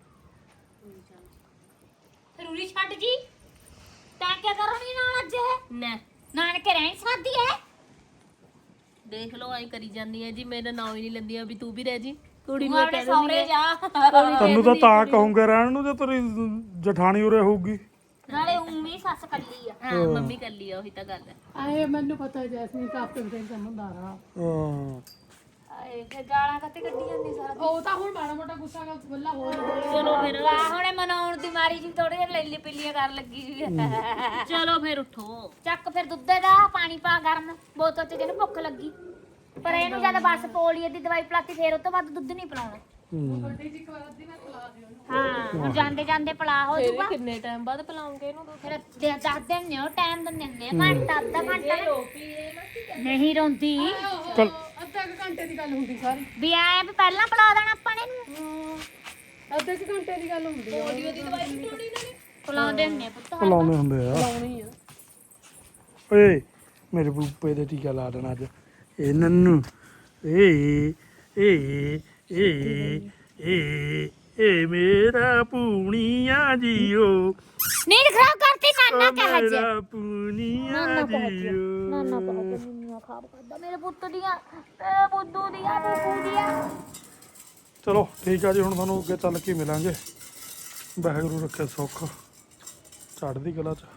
B: ਫਿਰ ਉਰੀ ਛੱਡ ਜੀ ਤੈਂ ਕਿਆ ਕਰਨੀ ਨਾਲ ਅੱਜ ਇਹ
C: ਨਾ
B: ਨਾਨਕੇ ਰਹਿਣ ਸਾਦੀ ਹੈ
C: ਦੇਖ ਲਓ ਆਈ ਕਰੀ ਜਾਂਦੀ ਹੈ ਜੀ ਮੇਰਾ ਨਾਂ ਹੀ ਨਹੀਂ ਲੈਂਦੀ ਆ ਵੀ ਤੂੰ ਵੀ ਰਹਿ ਜੀ ਕੁੜੀ
B: ਤੂੰ
C: ਨੂੰ
B: ਆਪਣੇ
C: ਕਹਿ
B: ਸੌਰੇ ਜਾ
A: ਤੈਨੂੰ ਤਾਂ ਤਾਂ ਕਹੂੰਗੇ ਰਹਿਣ ਨੂੰ ਜੇ ਤੇਰੀ ਜਠਾਣੀ ਉਰੇ ਹੋਊਗੀ।
B: ਨਾਲੇ ਉਮੀ ਸੱਸ ਕੱਲੀ ਆ
C: ਹਾਂ ਮੰਮੀ ਕਰ ਲਈ ਉਹੀ ਤਾਂ ਗੱਲ ਹੈ
D: ਆਏ ਮੈਨੂੰ ਪਤਾ ਜੈਸਮੀਨ ਤਾਂ ਆਪੇ ਬਰੇ ਕੰਮ ਹੁੰਦਾ
A: ਹਾਂ
B: ਆਏ ਫੇ ਗਾਲਾਂ ਕੱਤੇ ਕੱਢੀ ਜਾਂਦੀ ਸਾਰਾ
D: ਉਹ ਤਾਂ ਹੁਣ ਮਾੜਾ ਮੋਟਾ ਗੁੱਸਾ ਕਰ ਬੱਲਾ ਹੋ ਜਾਂਦਾ
C: ਚਲੋ ਫਿਰ
B: ਵਾਹ ਹੁਣੇ ਮਨਾਉਣ ਦੀ ਮਾਰੀ ਜੀ ਥੋੜੇ ਜਿਹਾ ਲੈਲੀ ਪਿੱਲੀਆਂ ਕਰਨ ਲੱਗੀ ਜੀ
C: ਚਲੋ ਫਿਰ ਉਠੋ
B: ਚੱਕ ਫਿਰ ਦੁੱਧ ਦਾ ਪਾਣੀ ਪਾ ਗਰਮ ਬੋਤਲ ਤੇ ਜਿਹਨੂੰ ਭੁੱਖ ਲੱਗੀ ਪਰ ਇਹਨੂੰ ਜਦ ਬਸ ਪੋਲੀਏ ਦੀ ਦਵਾਈ ਪਿਲਾਤੀ ਫੇਰ ਉਹ ਤੋਂ ਬਾਅਦ ਦੁੱਧ ਨਹੀਂ ਪਿਲਾਉਣਾ
D: ਵੱਡੀ ਜੀ ਇੱਕ ਵਾਰ ਅੱਧੀ ਮੈਂ ਖਿਲਾ ਦਿਓ
B: ਹਾਂ ਹੁਣ ਜਾਂਦੇ ਜਾਂਦੇ ਪਿਲਾ ਹੋ
C: ਫਿਰ
B: ਜੂਗਾ
C: ਵੀ ਕਿੰਨੇ ਟਾਈਮ ਬਾਅਦ ਪਿਲਾਉਂਗੇ ਇਹਨੂੰ ਦੁੱਧ
B: ਫਿਰ ਦੱਸ ਦਿੰਦੇ ਹੋ ਟਾਈਮ ਦਿੰਦੇ ਆ ਘੰਟਾ ਅੱਧਾ ਘੰਟਾ ਨਹੀਂ ਰੋਂਦੀ
A: ਚੱਲ
D: ਅੱਧਾ ਕੁ ਘੰਟੇ ਦੀ ਗੱਲ ਹੁੰਦੀ ਸਾਰੀ
B: ਵੀ ਆਏ ਵੀ ਪਹਿਲਾਂ ਪਿਲਾ ਦੇਣਾ ਆਪਾਂ ਨੇ ਇਹਨੂੰ
D: ਅੱਧੇ ਕੁ ਘੰਟੇ ਦੀ ਗੱਲ ਹੁੰਦੀ ਆ
C: ਪੋਲੀਓ ਦੀ ਦਵਾਈ ਨਹੀਂ ਪਿਲਾਉਣੀ ਇਹਨਾਂ ਨੇ
B: ਪਿਲਾਉਂਦੇ ਹੁੰਦੇ ਆ ਪੁੱਤ
A: ਲਾਉਣੇ ਹੁੰਦੇ ਆ।
D: ਲਾਉਣੀ ਆ
A: ਓਏ ਮੇਰੇ ਬੂਪੇ ਦੇ ਟੀਕਾ ਲਾ ਦੇਣਾ ਅੱਜ ਇਹ ਨੰਨੂ ਏ ਏ ਏ ਏ ਮੇਰਾ ਪੂਣੀਆਂ ਜੀਓ
B: ਨੀਂਦ ਖਰਾਬ ਕਰਤੀ ਨਾਨਾ ਕਹ ਜੇ
A: ਮੇਰਾ ਪੂਣੀਆਂ
B: ਨਾਨਾ ਕਹ ਜੇ
A: ਜੀਓ
B: ਨਾਨਾ ਕਹ ਜੇ ਨੀਂਦ ਖਰਾਬ ਕਰਦਾ ਮੇਰੇ ਪੁੱਤ ਦੀਆਂ ਤੇ ਬੁੱਧੂ ਦੀਆਂ ਬੁੱਧੂ ਦੀਆਂ
A: ਚਲੋ ਠੀਕ ਆ ਜੀ ਹੁਣ ਤੁਹਾਨੂੰ ਅੱਗੇ ਚੱਲ ਕੇ ਮਿਲਾਂਗੇ। ਵਾਹਿਗੁਰੂ ਰੱਖੇ ਸੁੱਖ ਚੜ੍ਹਦੀ ਕਲਾ ਚ।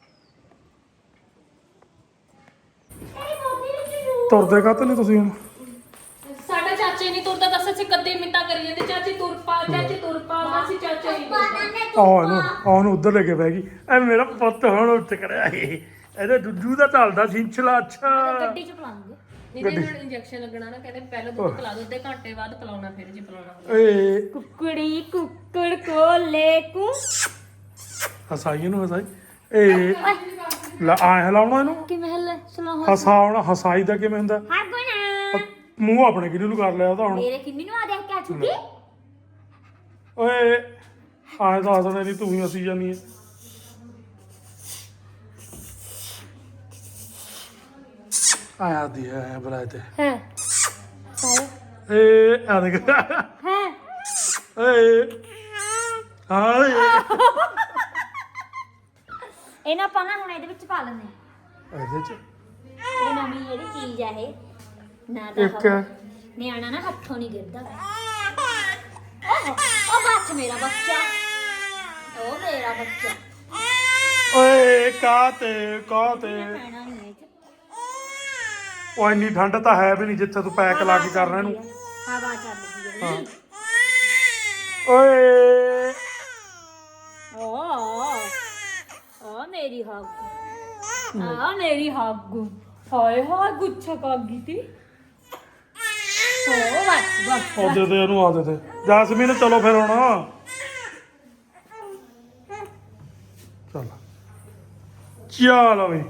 A: ਤੁਰਦੇ ਕਾਹਤੇ ਨਹੀਂ ਤੁਸੀਂ ਹੁਣ?
C: ਸਾਡਾ ਚਾਚੇ ਨਹੀਂ ਤੁਰਦਾ ਦੱਸ ਅਸੀਂ ਕੱਦੇ ਮਿੰਟਾਂ ਕਰੀ ਜਾਂਦੇ ਚਾਚੀ ਤੁਰ ਪਾ ਅਸੀਂ ਚਾਚਾ ਹੀ
A: ਉਹਨੂੰ ਉੱਧਰ ਲੈ ਕੇ ਬਹਿ ਗਈ ਐ ਮੇਰਾ ਪੁੱਤ ਹੁਣ ਉੱਠ ਕਰਿਆ ਇਹਦੇ ਦੁੱਜੂ ਦਾ ਚੱਲਦਾ ਸਿੰਚਲਾ ਅੱਛਾ
B: ਗੱਡੀ ਚ ਪਲਾਉਂਗੇ
C: ਇਹਦੇ ਨਾਲ ਇੰਜੈਕਸ਼ਨ ਲੱਗਣਾ ਨਾ ਕਹਿੰਦੇ ਪਹਿਲਾਂ ਦੁੱਧ ਪਿਲਾ ਦੋ ਅੱਧੇ ਘੰਟੇ ਬਾਅਦ ਪਿਲਾਉਣਾ ਫਿਰ ਜੇ ਪਿਲਾਉਣਾ ਹੋਵੇ
A: ਏ
B: ਕੁਕੜੀ ਕੁੱਕੜ ਕੋਲੇ ਕੁ
A: ਹਸਾਈ ਇਹਨੂੰ ਹਸਾਈ ਏ ਲਾ ਆ ਹਲਾਉਣਾ ਇਹਨੂੰ
B: ਕਿ ਮਹਿਲ ਸੁਣਾ
A: ਹਸਾਉਣਾ ਹਸਾਈ ਦਾ ਕਿਵੇਂ ਹੁੰਦਾ?
B: ਹਰ ਕੋਈ ਨਾ
A: ਮੂੰਹ ਆਪਣੇ ਕਿਹਨੂੰ ਨੂੰ ਕਰ ਲਿਆ ਉਹਦਾ ਹੁਣ
B: ਮੇਰੇ ਕਿੰਨੀ ਨੂੰ ਆ ਦੇਖ ਕੇ ਆ ਚੁੱਕੀ
A: ਓਏ ਆਏ ਤਾਂ ਹਸਣੇ ਨਹੀਂ ਤੂੰ ਹੀ ਹਸੀ ਜਾਨੀ ਹੈ। ਆਇਆ ਦੀ ਹੈ ਬੁਲਾਏ ਤੇ
B: ਹਾਂ
A: ਏ ਆ ਦੇਖ
B: ਹਾਂ
A: ਏ ਹਾਏ
B: ਇਹਨਾਂ ਪਾਣਾ ਹੁਣ ਇਹਦੇ ਵਿੱਚ ਪਾ ਲੈਂਦੇ
A: ਇਹਦੇ ਚ
B: ਇਹ ਨਵੀਂ ਜਿਹੜੀ ਚੀਜ਼ ਆ ਇਹ ਨਾ ਤਾਂ
A: ਇੱਕ
B: ਨਿਆਣਾ ਨਾ ਹੱਥੋਂ ਨਹੀਂ ਗਿਰਦਾ ਉਹ ਬੱਚ ਮੇਰਾ ਬੱਚਾ ਉਹ ਮੇਰਾ ਬੱਚਾ
A: ਓਏ ਕਾਤੇ
B: ਪੈਣਾ ਨਹੀਂ ਇਹ ਚ
A: ਉਹ ਇੰਨੀ ਠੰਡ ਤਾਂ ਹੈ ਵੀ ਨਹੀਂ ਜਿੱਥੇ ਤੂੰ ਪੈਕ ਲਾ ਕੇ ਕਰਨਾ ਇਹਨੂੰ
B: ਹਵਾ ਚੱਲਦੀ ਹੈ
A: ਓਏ
B: ਓ ਮੇਰੀ ਹਾਗੂ ਮੇਰੀ ਹਾਗੂ ਹਾਏ ਹਾਏ ਗੁੱਛਾ ਕਰ ਗਈ ਤੀ ਓ ਬਸ
A: ਉਹ ਦੇ ਦੇ ਇਹਨੂੰ ਆ ਦੇ ਦੇ ਜਾਸਮੀਨ ਚਲੋ ਫਿਰ ਹੁਣ ਚੱਲ ਚਲੋ ਵੀ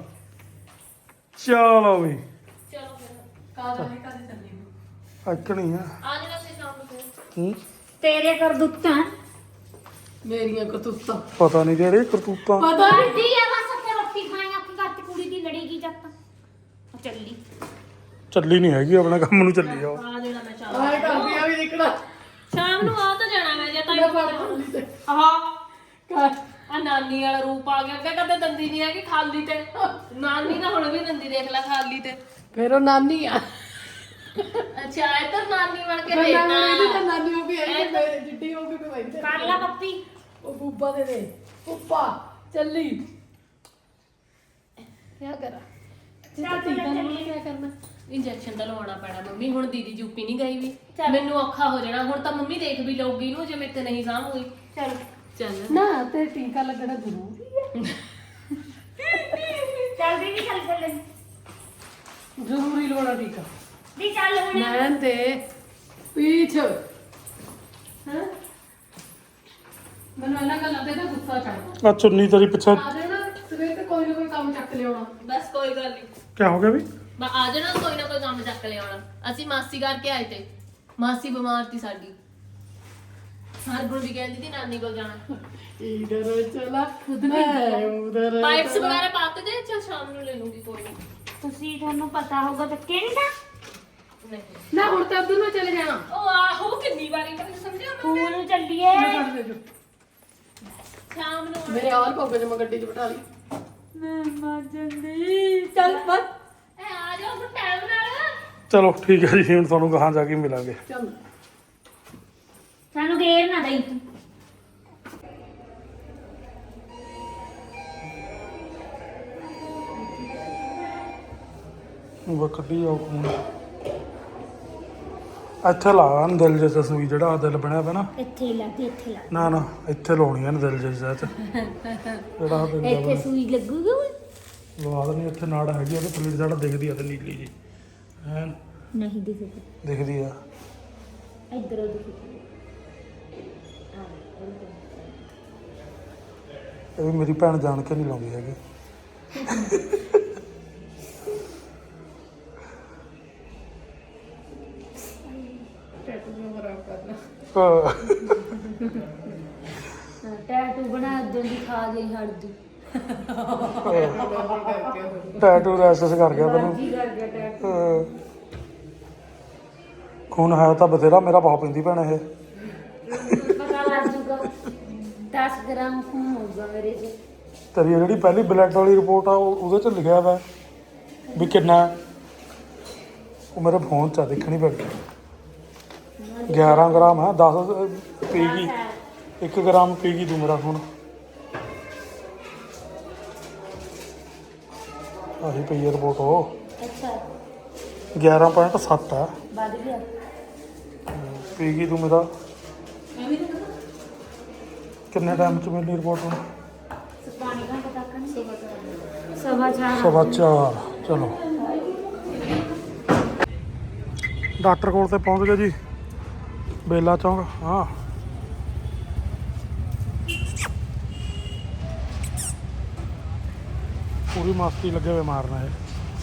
D: ਕਾਦਾ ਨਹੀਂ ਕਦੇ ਚੱਲੀ
A: ਅੱਕਣੀ ਆ
C: ਆ ਜਾਣਾ ਸੀ ਸ਼ਾਮ ਨੂੰ ਫਿਰ।
A: ਹੂੰ
B: ਤੇਰੇ ਕਰਦੂਤਾਂ
D: ਮੇਰੀਆਂ ਕਤੂਤਾਂ
A: ਪਤਾ ਨਹੀਂ ਜਿਹੜੇ ਕਰਤੂਤਾਂ
D: ਪਤਾ ਨਹੀਂ
B: ਦੀ ਆ ਬਸ ਤੇ ਰੋਟੀ ਖਾਏਗਾ ਕਿ ਘਰ ਤੇ ਕੁੜੀ ਦੀ ਲੜੇਗੀ ਜੱਤ ਚੱਲੀ
A: ਚੱਲੀ ਨਹੀਂ ਹੈਗੀ ਆਪਣੇ ਕੰਮ ਨੂੰ ਚੱਲੀ ਆ ਉਹ।
C: ਆ ਜਾਣਾ ਮੈਂ ਸ਼ਾਮ
D: ਆਏ ਕਰਦੀ ਆ ਵੀ ਨਿਕੜਾ
C: ਸ਼ਾਮ ਨੂੰ ਆ ਤਾਂ ਜਾਣਾ ਮੈਂ ਜੇ ਤਾਂ
D: ਮੈਂ ਫੜ ਖਾਲੀ ਤੇ
C: ਆਹ
D: ਕਰ
C: ਆ ਨਾਨੀ ਵਾਲਾ ਰੂਪ ਆ ਗਿਆ ਅੱਗੇ ਕਦੇ ਦੰਦੀ ਨਹੀਂ ਹੈਗੀ ਖਾਲੀ ਤੇ ਨਾਨੀ ਨਾ ਹੁਣ ਵੀ ਦੰਦੀ ਦੇਖ ਲੈ ਖਾਲੀ ਤੇ
D: ਫਿਰ ਉਹ ਨਾਨੀ ਆ
C: ਅੱਛਾ ਇਹ ਤਾਂ ਨਾਨੀ ਬਣ ਕੇ
D: ਮੈਂ
C: ਦੇਖਣਾ
D: ਇਹਦੀ ਤਾਂ ਨਾਨੀ ਹੋ ਗਈ ਐ ਮੇਰੇ ਜਿੱਡੀ ਹੋ ਗਈ ਕੋਈ ਵੈਂਦੇ
B: ਕਰ ਲਾ ਪੱਪੀ
D: ਉਹ ਬੂਬਾ ਦੇ ਉੱਪਾ ਚੱਲੀ ਕੀ ਕਰਾਂ ਜਿੱਦਾਂ ਟੀਕਾ ਨੂੰ ਕੀ ਕਰਨਾ
C: ਇੰਜੈਕਸ਼ਨ ਤਾਂ ਲਵਾਉਣਾ ਪੈਣਾ ਮੰਮੀ ਹੁਣ ਦੀਦੀ ਯੂਪੀ ਨਹੀਂ ਗਈ ਵੀ ਮੈਨੂੰ ਔਖਾ ਹੋ ਜਾਣਾ ਹੁਣ ਤਾਂ ਮੰਮੀ ਦੇਖ ਵੀ ਲਊਗੀ ਇਹਨੂੰ ਜੇ ਮੇਰੇ ਤੇ ਨਹੀਂ ਸਾਂਭ ਹੋਈ
B: ਚਲ
C: ਚੱਲ
D: ਨਾ ਤੇ ਟੀਕਾ ਲੱਗਣਾ ਜ਼ਰੂਰੀ ਹੈ
B: ਚੱਲ ਦੀ ਚੱਲ
D: ਜ਼ਰੂਰੀ ਲਵਾਉਣਾ ਟੀਕਾ
B: ਦੀ ਚੱਲ ਹੁਣ
D: ਮੈਂ ਤੇ ਪੀਛ ਹਾਂ ਮੈਨੂੰ ਇਹਨਾਂ ਗੱਲਾਂ ਤੇ ਨਾ ਗੁੱਸਾ ਚੜਦਾ
A: ਆ ਚੁੰਨੀ ਤੇਰੀ ਪਿੱਛੇ
D: ਆ ਜਾਣਾ ਸਵੇਰ ਤੇ ਕੋਈ ਨਾ ਕੋਈ ਕੰਮ ਚੱਕ ਲਿਆਉਣਾ
C: ਬਸ ਕੋਈ ਗੱਲ ਨਹੀਂ
A: ਕੀ ਹੋ ਗਿਆ ਵੀ
C: ਮੈਂ ਆ ਜਾਣਾ ਕੋਈ ਨਾ ਕੋਈ ਕੰਮ ਚੱਕ ਲਿਆਉਣਾ ਅਸੀਂ ਮਾਸੀ ਕਰਕੇ ਆਏ ਤੇ ਮਾਸੀ ਬਿਮਾਰ ਸੀ ਸਾਡੀ ਹਰਗੁਣ ਵੀ ਕਹਿੰਦੀ ਸੀ ਨਾਨੀ ਕੋਲ ਜਾਣਾ
D: ਇਧਰ ਚਲਾ ਖੁਦ ਮੈਂ ਉਧਰ
C: ਪਾਈਪਸ ਵਗੈਰਾ ਪਾਤੇ ਦੇ ਚਲ ਸ਼ਾਮ ਨੂੰ ਲੈ ਲੂੰਗੀ ਕੋਈ ਨਹੀਂ
B: ਤੁਸੀਂ ਤੁਹਾਨੂੰ ਪਤਾ ਹੋਗਾ ਤਾਂ ਕਿਹੜਾ
D: ਨਾ ਹੁਣ ਤਾਂ ਉਧਰ ਨੂੰ ਚਲੇ ਜਾਣਾ
C: ਉਹ ਆਹੋ ਕਿੰਨੀ ਵਾਰੀ ਮੈਨੂੰ ਸਮਝਿਆ ਮੈਂ
B: ਸਕੂਲ ਨੂੰ ਚੱਲੀਏ
D: ਮੈਂ ਫੜ ਦੇ ਜੋ
C: ਸ਼ਾਮ ਨੂੰ
D: ਮੇਰੇ ਆਲ ਪੋਗੇ ਚ ਮੈਂ ਗੱਡੀ ਚ ਬਿਠਾ ਲਈ
B: ਮੈਂ ਮਰ ਜਾਂਦੀ ਚੱਲ ਬਸ
C: ਇਹ ਆ ਜਾਓ ਹੁਣ ਟਾਈਮ ਨਾਲ
A: ਚਲੋ ਠੀਕ ਹੈ ਜੀ ਹੁਣ ਤੁਹਾਨੂੰ ਕਹਾਂ ਜਾ ਕੇ ਮਿਲਾਂਗੇ
D: ਚੱਲ
B: ਸਾਨੂੰ ਗੇਰ ਨਾ ਦਈ ਤੂੰ
A: ਉਹ ਕੱਢੀ ਜਾਓ ਖੂਨ ਇੱਥੇ ਲਾ ਦਿਲ ਜਿਹਾ ਸੂਈ ਜਿਹੜਾ ਦਿਲ ਬਣਿਆ ਪਿਆ ਨਾ
B: ਇੱਥੇ ਹੀ ਲੱਗ ਇੱਥੇ ਲੱਗ
A: ਨਾ ਨਾ ਇੱਥੇ ਲਾਉਣੀ ਆ ਦਿਲ ਜਿਹਾ ਚ ਜਿਹੜਾ ਦਿਲ
B: ਇੱਥੇ ਸੂਈ ਲੱਗੂਗੀ
A: ਲਵਾ ਦੇਣੀ ਇੱਥੇ ਨਾੜ ਹੈਗੀ ਉਹਦੇ ਥੱਲੇ ਜਿਹੜਾ ਦਿਖਦੀ ਆ ਤੇ ਨੀਲੀ ਜੀ ਐਨ
B: ਨਹੀਂ ਦਿਖਦੀ
A: ਦਿਖਦੀ ਆ
B: ਇੱਧਰੋਂ ਦਿਖਦੀ
A: ਇਹ ਵੀ ਮੇਰੀ ਭੈਣ ਜਾਣ ਕੇ ਨਹੀਂ ਲਾਉਂਦੀ ਹੈਗੀ
B: ਟੈਟੂ ਬਣਾ ਦਿੰਦੀ ਦੀ ਖਾ ਗਈ ਹੜਦੀ
A: ਟੈਟੂ ਰੈਸਸ ਕਰ ਗਿਆ ਤੈਨੂੰ
B: ਕੀ ਕਰ ਗਿਆ ਟੈਟੂ
A: ਹਾਂ। ਖੂਨ ਹੈ ਤਾਂ ਬਥੇਰਾ ਮੇਰਾ ਬਹੁਤ ਪੈਂਦੀ ਭੈਣ ਇਹ
B: ਪਤਾ ਲੱਗ ਜੂਗਾ 10 ਗ੍ਰਾਮ ਖੂਨ ਹੋਊਗਾ ਮੇਰੇ ਚ
A: ਤੇਰੀ ਜਿਹੜੀ ਪਹਿਲੀ ਬਲੱਡ ਵਾਲੀ ਰਿਪੋਰਟ ਆ ਉਹਦੇ ਚ ਲਿਖਿਆ ਵਾ ਵੀ ਕਿੰਨਾ ਹੈ। ਉਹ ਮੇਰੇ ਫੋਨ 'ਚ ਆ, ਦੇਖਣੀ ਪੈਣੀ 11 ਗ੍ਰਾਮ ਹੈ 10 ਪੀ ਗਈ 1 ਗ੍ਰਾਮ ਪੀ ਗਈ ਤੂੰ ਮੇਰਾ ਖੂਨ ਆਹੀ ਪਈ ਹੈ ਰਿਪੋਰਟ ਉਹ
B: ਅੱਛਾ
A: 11.7 ਹੈ
B: ਵੱਧ ਗਿਆ
A: ਪੀ ਗਈ ਤੂੰ ਮੇਰਾ ਕਿੰਨੇ ਟਾਈਮ 'ਚ ਮਿਲੀ ਰਿਪੋਰਟ ਹੁਣ
B: ਪਾਣੀ ਦਾ ਪਤਾ ਕਰਨ ਸਵਾ ਚਾਰ
A: ਸਵਾ 4 ਚਲੋ ਡਾਕਟਰ ਕੋਲ ਤੇ ਪਹੁੰਚ ਗਏ ਜੀ ਬੇਲਾ ਚੌਂਕ ਹਾਂ ਪੂਰੀ ਮਸਤੀ ਲੱਗੇ ਹੋਏ ਮਾਰਨਾ ਹੈ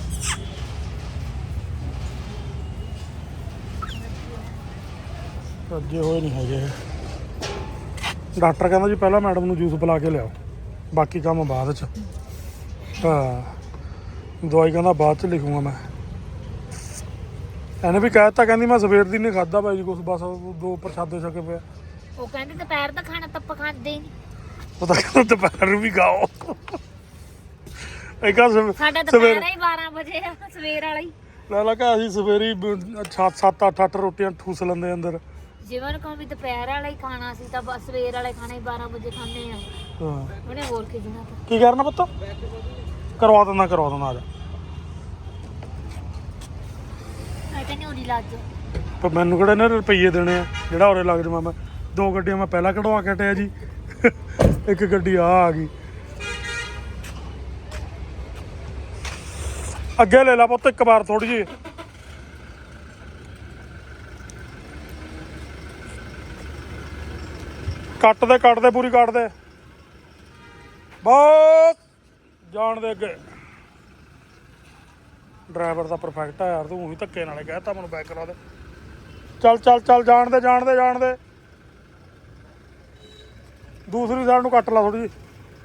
A: ਰੱਜੇ ਹੋਏ ਨਹੀਂ ਹੈਗੇ ਡਾਕਟਰ ਕਹਿੰਦਾ ਜੀ ਪਹਿਲਾਂ ਮੈਡਮ ਨੂੰ ਜੂਸ ਪਿਲਾ ਕੇ ਲਿਆਓ ਬਾਕੀ ਕੰਮ ਬਾਅਦ 'ਚ ਹਾਂ ਦਵਾਈ ਕਹਿੰਦਾ ਬਾਅਦ 'ਚ ਲਿਖੂੰਗਾ ਮੈਂ ਇਹਨੇ ਵੀ ਕਹਿ ਦਿੱਤਾ ਕਹਿੰਦੀ ਮੈਂ ਸਵੇਰ ਦੀ ਨਹੀਂ ਖਾਦਾ ਭਾਈ ਜੀ ਕੁਛ ਬਸ 2 ਪ੍ਰਸ਼ਾਦੇ ਛਕੇ ਪਿਆ।
B: ਉਹ ਕਹਿੰਦੇ ਦੁਪਹਿਰ ਦਾ ਖਾਣਾ ਤਾਂ ਆਪਾਂ ਖਾਂਦੇ ਹੀ ਨਹੀਂ।
A: ਉਹ ਤਾਂ ਕਹਿੰਦਾ ਦੁਪਹਿਰ ਨੂੰ ਵੀ ਖਾਓ। ਇੱਕ
B: ਸਾਡਾ ਦੁਪਹਿਰ ਹੀ 12 ਵਜੇ ਆ ਸਵੇਰ ਵਾਲਾ ਹੀ।
A: ਲਾ ਕਾ ਅਸੀਂ ਸਵੇਰੀ 7-8 ਰੋਟੀਆਂ ਠੂਸ ਲੈਂਦੇ ਅੰਦਰ।
B: ਜਿਵੇਂ ਨੂੰ ਕਹੋ ਵੀ ਦੁਪਹਿਰ ਵਾਲਾ ਹੀ ਖਾਣਾ ਸੀ ਤਾਂ ਬਸ ਸਵੇਰ ਵਾਲਾ ਹੀ ਖਾਣਾ ਹੀ 12 ਵਜੇ ਖਾਂਦੇ ਆ।
A: ਹਾਂ
B: ਉਹਨੇ ਹੋਰ ਖਿਜਣਾ ਤਾਂ।
A: ਕੀ ਕਰਨਾ ਪੁੱਤ? ਕਰਵਾ ਦਿੰਦਾ ਆ ਜਾ।
B: ਮੈਂ ਕਹਿੰਦੀ ਉਰੀ ਲੱਜ।
A: ਪਰ ਮੈਨੂੰ ਕਿਹੜੇ ਨੇ ਰੁਪਈਏ ਦੇਣੇ ਆ ਜਿਹੜਾ ਉਰੇ ਲੱਗ ਜਾਵਾਂ ਮੈਂ। 2 ਗੱਡੀਆਂ ਮੈਂ ਪਹਿਲਾਂ ਕਢਵਾ ਕੇ ਹਟਿਆ ਜੀ। ਇੱਕ ਗੱਡੀ ਆ ਗਈ। ਅੱਗੇ ਲੈ ਲਾ ਪੁੱਤ ਇੱਕ ਵਾਰ ਥੋੜੀ ਜਿਹੀ। ਕੱਟ ਦੇ ਪੂਰੀ ਕੱਟ ਦੇ ਬਸ ਜਾਣ ਦੇ ਅੱਗੇ। ਡਰਾਈਵਰ ਦਾ ਪਰਫੈਕਟ ਆ ਯਾਰ, ਤੂੰ ਹੀ ਧੱਕੇ ਨਾਲੇ ਕਹਿਤਾ ਮੈਨੂੰ ਬੈਕ ਕਰਾ ਦੇ। ਚੱਲ ਜਾਣ ਦੇ। ਦੂਸਰੀ ਸਾਈਡ ਨੂੰ ਕੱਟ ਲਾ ਥੋੜੀ ਜਿਹੀ।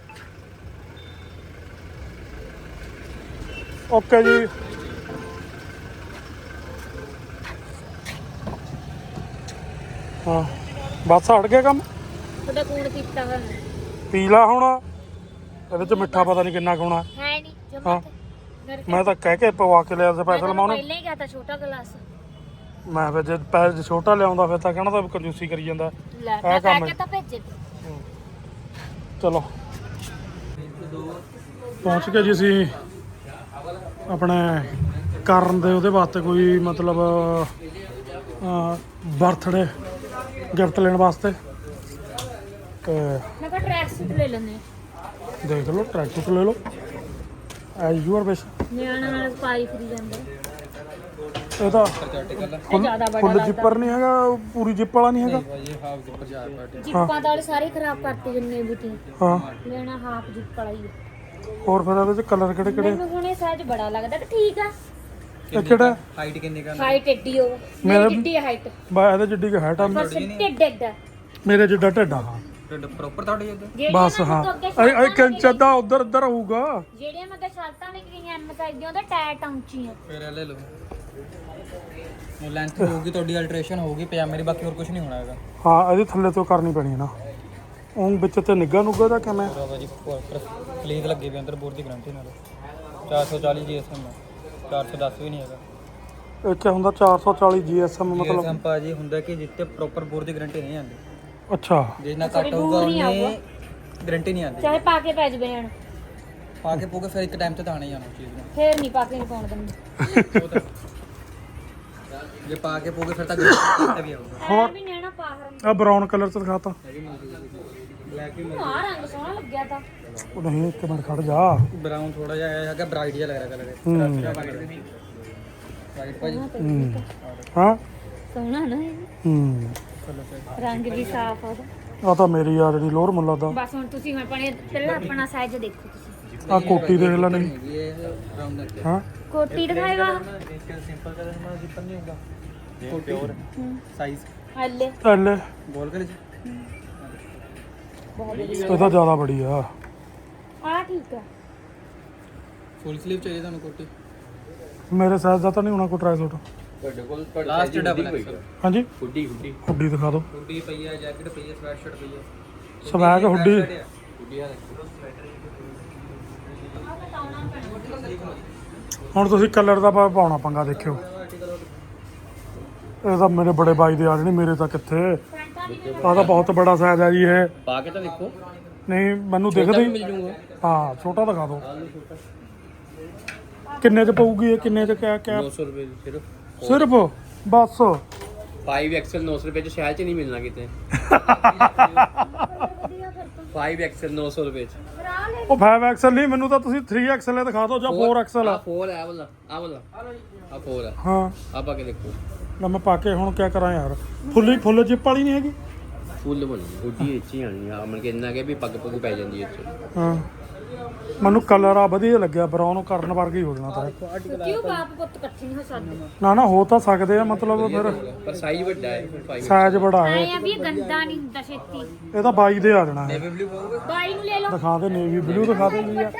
A: ਓਕੇ ਜੀ। ਹਾਂ ਬਸ ਹਟ ਗਿਆ ਕੰਮ।
B: ਉਹਦਾ ਕੂਣ ਕੀਤਾ ਹੋਇਆ
A: ਪੀ ਲਾ ਹੁਣ। ਇਹਦੇ ਚ ਮਿੱਠਾ ਪਤਾ ਨਹੀਂ ਕਿੰਨਾ ਖਾਣਾ
B: ਹੈ ਨਹੀਂ
A: ਹਾਂ।
B: ਜਮਾ।
A: ਮੈਂ ਤਾਂ ਕਹਿ ਕੇ ਪਵਾ ਕੇ ਲਿਆ ਸਪੈਸ਼ਲ ਮੈਂ ਉਹਨੂੰ।
B: ਪਹਿਲਾਂ ਹੀ ਕਹਤਾ ਛੋਟਾ ਗਲਾਸ।
A: ਮੈਂ ਫਿਰ ਜੇ ਪੈਸੇ ਛੋਟਾ ਲਿਆਉਂਦਾ ਫਿਰ ਤਾਂ ਕਹਿਣਾ ਤਾਂ ਕੰਜੂਸੀ ਕਰੀ ਜਾਂਦਾ।
B: ਲੈ
A: ਇਹ
B: ਮੈਂ
A: ਕੰਮ
B: ਕਹਿ ਕੇ ਤਾਂ ਭੇਜੇ।
A: ਚਲੋ ਪਹੁੰਚ ਗਏ ਜੀ ਅਸੀਂ ਆਪਣੇ ਕਰਨ ਦੇ ਉਹਦੇ ਵਾਸਤੇ ਕੋਈ ਮਤਲਬ ਬਰਥਡੇ ਗਿਫਟ ਲੈਣ ਵਾਸਤੇ। ਤੇ
B: ਮੈਂ ਕਿਹਾ ਟਰੈਕ ਸੂਟ ਲੈ ਲੈਂਦੇ
A: ਦੇਖ ਲਓ ਟਰੈਕ ਸੂਟ ਲੈ ਲਓ ਐਜ਼ ਯੂਅਰ ਵਿਸ਼।
B: ਨਿਆਣਾ ਨਾਲ ਪਾਈ ਫਰੀ ਜਾਂਦਾ।
A: ਇਹ ਤਾਂ
B: ਇਹ ਜ਼ਿਆਦਾ ਬੜਾ
A: ਫੁੱਲ ਜਿੱਪਰ ਨਹੀਂ ਹੈਗਾ, ਪੂਰੀ ਜਿੱਪ ਵਾਲਾ ਨਹੀਂ ਹੈਗਾ।
B: ਜਿੱਪਾਂ ਤਾਂ ਵਾਲੇ ਸਾਰੇ ਖਰਾਬ ਕਰਤੇ ਜਿੰਨੇ ਵੀ ਤੀ।
A: ਹਾਂ
B: ਲੈਣਾ ਹਾਫ ਜਿੱਪ ਵਾਲਾ ਹੀ ਆ।
A: ਹੋਰ ਫਿਰ ਇਹਦੇ ਚ ਕਲਰ ਕਿਹੜੇ
B: ਮੈਨੂੰ ਹੁਣ ਇਹ ਸਾਈਜ਼ ਬੜਾ ਲੱਗਦਾ ਕਿ ਠੀਕ ਆ।
A: ਇਹ ਕਿਹੜਾ
E: ਹਾਈਟ ਕਿੰਨੀ ਕਰਨੀ?
B: ਹਾਈਟ ਏਡੀ ਹੋ
A: ਮੇਰਾ-
B: ਮੇਰੀ ਜਿੱਡੀ ਹਾਈਟ
A: ਬਾ ਇਹਦੇ ਜਿੱਡੀ ਕੁ ਹੈਟ ਆ
B: ਬਸ ਢਿੱਡ ਏਡਾ।
A: ਮੇਰੇ ਜਿੱਡਾ ਢਿੱਡਾ। ਹਾਂ
E: ਢਿੱਡ ਪ੍ਰੋਪਰ ਤੁਹਾਡੇ ਇੱਧਰ?
B: ਜਿਹੜੀਆਂ
A: ਬਸ
B: ਮੈਂ
A: ਹਾਂ
B: ਤੋਂ ਅੱਗੇ
A: ਇਹ
B: ਸ਼ਰਟਾਂ
A: ਕੰਚ ਦਾ ਉਧਰ ਹੋਊਗਾ।
B: ਜਿਹੜੀਆਂ ਮੈਂ ਤਾਂ ਸ਼ਰਟਾਂ ਲੈ ਕੇ ਗਈਆਂ ਐਮ ਸਾਈਜ਼ ਦੀਆਂ ਉਹਦਾ ਟੈਟ ਉੱਚੀਆਂ।
E: ਫਿਰ ਇਹ ਲੈ ਲਓ। ਉਹ ਲੈਂਥ ਹੋਊਗੀ ਤੁਹਾਡੀ, ਅਲਟਰੇਸ਼ਨ ਹੋਊਗੀ ਪਜਾਮੇ ਦੀ, ਬਾਕੀ ਹੋਰ ਕੁਝ ਨਹੀਂ ਹੋਣਾ ਹੈਗਾ।
A: ਹਾਂ ਇਹਦੇ ਥੱਲੇ ਤੋਂ ਕਰਨੀ ਪੈਣੀ ਹੈ ਨਾ। ਉਹ ਵਿੱਚ ਤੇ ਨਿੱਘਾ ਨੁੱਗਾ ਦਾ ਕਿਵੇਂ?
E: ਬਾਬਾ ਜੀ ਪਲੀਜ਼ ਲੱਗੇ ਵੀ ਅੰਦਰ ਬੋਰ ਦੀ ਗਰੰਟੀ ਨਾਲ 440 GSM ਹੈ, 410 ਵੀ ਨਹੀਂ ਹੈਗਾ।
A: ਇਹ ਕੀ ਹੁੰਦਾ 440 GSM
E: ਮਤਲਬ
A: ਮਤਲਬ?
E: ਭਾਜੀ ਹੁੰਦਾ ਕਿ ਜਿੱਤੇ ਪ੍ਰੋਪਰ ਬੋਰ ਦੀ ਗਾਰੰਟੀ ਨਹੀਂ ਆਉਂਦੀ।
A: ਅੱਛਾ
E: ਜਿੰਨਾ ਘੱਟ ਹੋਊਗਾ ਉਹਨੇ ਗਾਰੰਟੀ ਨਹੀਂ ਆਉਂਦੀ।
B: ਚਾਹੇ ਪਾ ਕੇ ਪੈ ਜਵੇ ਹਣ
E: ਪਾ ਕੇ ਪੋਗੇ ਫਿਰ ਇੱਕ ਟਾਈਮ ਤੇ ਤਾਂ ਆਣਾ ਹੀ ਆਣਾ ਚੀਜ਼ ਨੂੰ।
B: ਫੇਰ ਨਹੀਂ ਪਾ ਕੇ ਨਹੀਂ ਪਾਉਣ ਦਿੰਦੇ।
E: ਜੇ ਪਾ ਕੇ ਪੋਗੇ ਫਿਰ ਤਾਂ ਗਾਰੰਟੀ ਵੀ ਆਊਗਾ।
B: ਹੋਰ ਵੀ ਨੈਣਾ ਪਾ ਹਰਨ
A: ਆ ਬਰਾਊਨ ਕਲਰ ਚ ਦਿਖਾਤਾ।
E: ਬਲੈਕ ਵੀ
B: ਆ ਰੰਗ ਸੋਹਣਾ ਲੱਗਿਆ ਤਾਂ।
A: ਉਹ ਨਹੀਂ ਇੱਕ ਮਿੰਟ ਖੜ ਜਾ।
E: ਬਰਾਊਨ ਥੋੜਾ ਜਿਹਾ ਆਇਆ ਹੈਗਾ, ਬ੍ਰਾਈਟ ਜਿਹਾ ਲੱਗ ਰਿਹਾ ਕਲਰ। ਵਾਈਟ ਭਾਜੀ
A: ਹਾਂ
B: ਸੋਹਣਾ ਨਾ ਇਹ। ਰੰਗ ਵੀ ਸਾਫ ਆ ਉਹਦਾ।
A: ਆ ਤਾਂ ਮੇਰੀ ਯਾਰ ਜਿਹੜੀ ਲੋਰ ਮੁੱਲਾ ਦਾ।
B: ਬਸ ਹੁਣ ਤੁਸੀਂ ਆਪਣੇ ਪਹਿਲਾਂ ਆਪਣਾ ਸਾਈਜ਼ ਦੇਖੋ ਤੁਸੀਂ।
A: ਆ ਕੋਟੀ ਦੇਖ ਲੈ ਨਹੀਂ।
E: ਇਹ ਬਰਾਊਨ ਦਾ
A: ਹਾਂ
B: ਕੋਟੀ ਦਿਖਾਏਗਾ
E: ਸਿੰਪਲ ਕਲਰ ਨਾਲ ਜ਼ਿੱਪਰ ਨਹੀਂ ਹੁੰਦਾ। ਪਿਓਰ ਸਾਈਜ਼
B: ਹੱਲੇ
A: ਐਲੇ
E: ਬੋਲ ਕਰ
B: ਬਹੁਤ
A: ਇਹ ਤਾਂ ਜ਼ਿਆਦਾ ਬੜੀ ਆ।
B: ਆ ਠੀਕ ਆ।
E: ਫੁੱਲ ਸਲੀਵ ਚਾਹੀਏ ਤੁਹਾਨੂੰ ਕੋਟੀ?
A: ਮੇਰੇ ਸਾਈਜ਼ ਦਾ ਤਾਂ ਨਹੀਂ ਹੋਣਾ ਕੋਈ try suit.
E: Last double XL
A: ਹਾਂਜੀ
E: ਹੁੱਡੀ
A: ਹੁੱਡੀ ਦਿਖਾ ਦਿਓ।
E: ਹੁੱਡੀ ਪਈ ਹੈ, ਜੈਕਟ ਪਈ ਹੈ, ਸਵੈਟ ਸ਼ਰਟ ਪਈ ਹੈ।
A: Swag hoodie.
E: ਹੁੱਡੀ ਆ
A: ਹੁਣ ਤੁਸੀਂ ਕਲਰ ਦਾ ਪਾਉਣਾ ਪੰਗਾ ਦੇਖਿਓ। ਇਹ ਤਾਂ ਮੇਰੇ ਬੜੇ ਬਾਈ ਦੇ ਆ ਜਣੇ, ਮੇਰੇ ਤਾਂ ਕਿੱਥੇ। ਆ ਤਾਂ ਬਹੁਤ ਬੜਾ ਸਾਈਜ਼ ਹੈ ਜੀ ਇਹ।
E: ਪਾ ਕੇ ਤਾਂ ਦੇਖੋ।
A: ਨਹੀਂ ਮੈਨੂੰ ਦਿਖਦਾ ਹੀ। ਹਾਂ ਛੋਟਾ ਦਿਖਾ ਦਿਓ। ਕਿੰਨੇ ਚ ਪਊਗੀ ਇਹ? ਕਿੰਨੇ ਚ ਕਿਆ
F: 900 ਰੁਪਏ ਸਿਰਫ
A: ਸਿਰਫ ਬਸ
F: 5XL 900 ਰੁਪਏ ਚ ਸ਼ਹਿਰ ਚ ਨਹੀਂ ਮਿਲਣਾ ਕਿਤੇ। 5XL 900 ਰੁਪਏ ਚ।
A: ਉਹ 5XL ਨਹੀਂ, ਮੈਨੂੰ ਤਾਂ ਤੁਸੀਂ 3XL ਦਿਖਾ ਦਿਓ ਜਾਂ 4XL ਆ।
F: 4 ਹੈ ਵਾਲਾ ਆ ਵਾਲਾ ਆ 4 ਹੈ।
A: ਹਾਂ
F: ਆ ਪਾ ਕੇ ਦੇਖੋ।
A: ਲੈ ਮੈਂ ਪਾ ਕੇ ਹੁਣ ਕਿਆ ਕਰਾਂ ਯਾਰ। ਫੁੱਲ ਜਿੱਪ ਵਾਲੀ ਨਹੀਂ ਹੈਗੀ।
F: ਫੁੱਲ ਬਣੀ ਗੁੱਡੀ ਇੱਚੀ ਆਣੀ ਆ। ਮਨ ਕੇ ਇੰਨਾ ਕਿ ਵੀ ਪੱਗ ਪੁੱਗ ਪੈ ਜਾਂਦੀ ਹੈ ਇੱਥੇ।
A: ਹਾਂ ਮੈਨੂੰ ਕਲਰ ਆ ਵਧੀਆ ਲੱਗਿਆ, ਬਰਾਊਨ ਕਰਨ ਵਰਗਾ ਹੀ ਹੋ ਜਾਣਾ ਤਾਂ।
B: ਕਿਉਂ ਬਾਪ ਪੁੱਤ ਇਕੱਠੇ ਨਹੀਂ ਹੋ ਸਕਦੇ?
A: ਨਾ ਹੋ ਤਾਂ ਸਕਦੇ ਆ ਮਤਲਬ ਫਿਰ
F: ਪਰ ਸਾਈਜ਼ ਵੱਡਾ ਹੈ 5।
A: ਸਾਈਜ਼ ਬੜਾ ਹੈ।
B: ਆਏ ਆ ਵੀ ਇਹ ਗੰਦਾ ਨਹੀਂ ਹੁੰਦਾ ਛੇਤੀ।
A: ਇਹ ਤਾਂ 22 ਦੇ ਆ ਜਾਣਾ ਹੈ।
E: ਬਲੂ ਪਾਓਗੇ?
B: ਬਾਈ ਨੂੰ ਲੈ ਲਓ।
A: ਦਿਖਾ ਦੇ ਨੇਵੀ ਬਲੂ ਦਿਖਾ ਦੇ ਜੀ।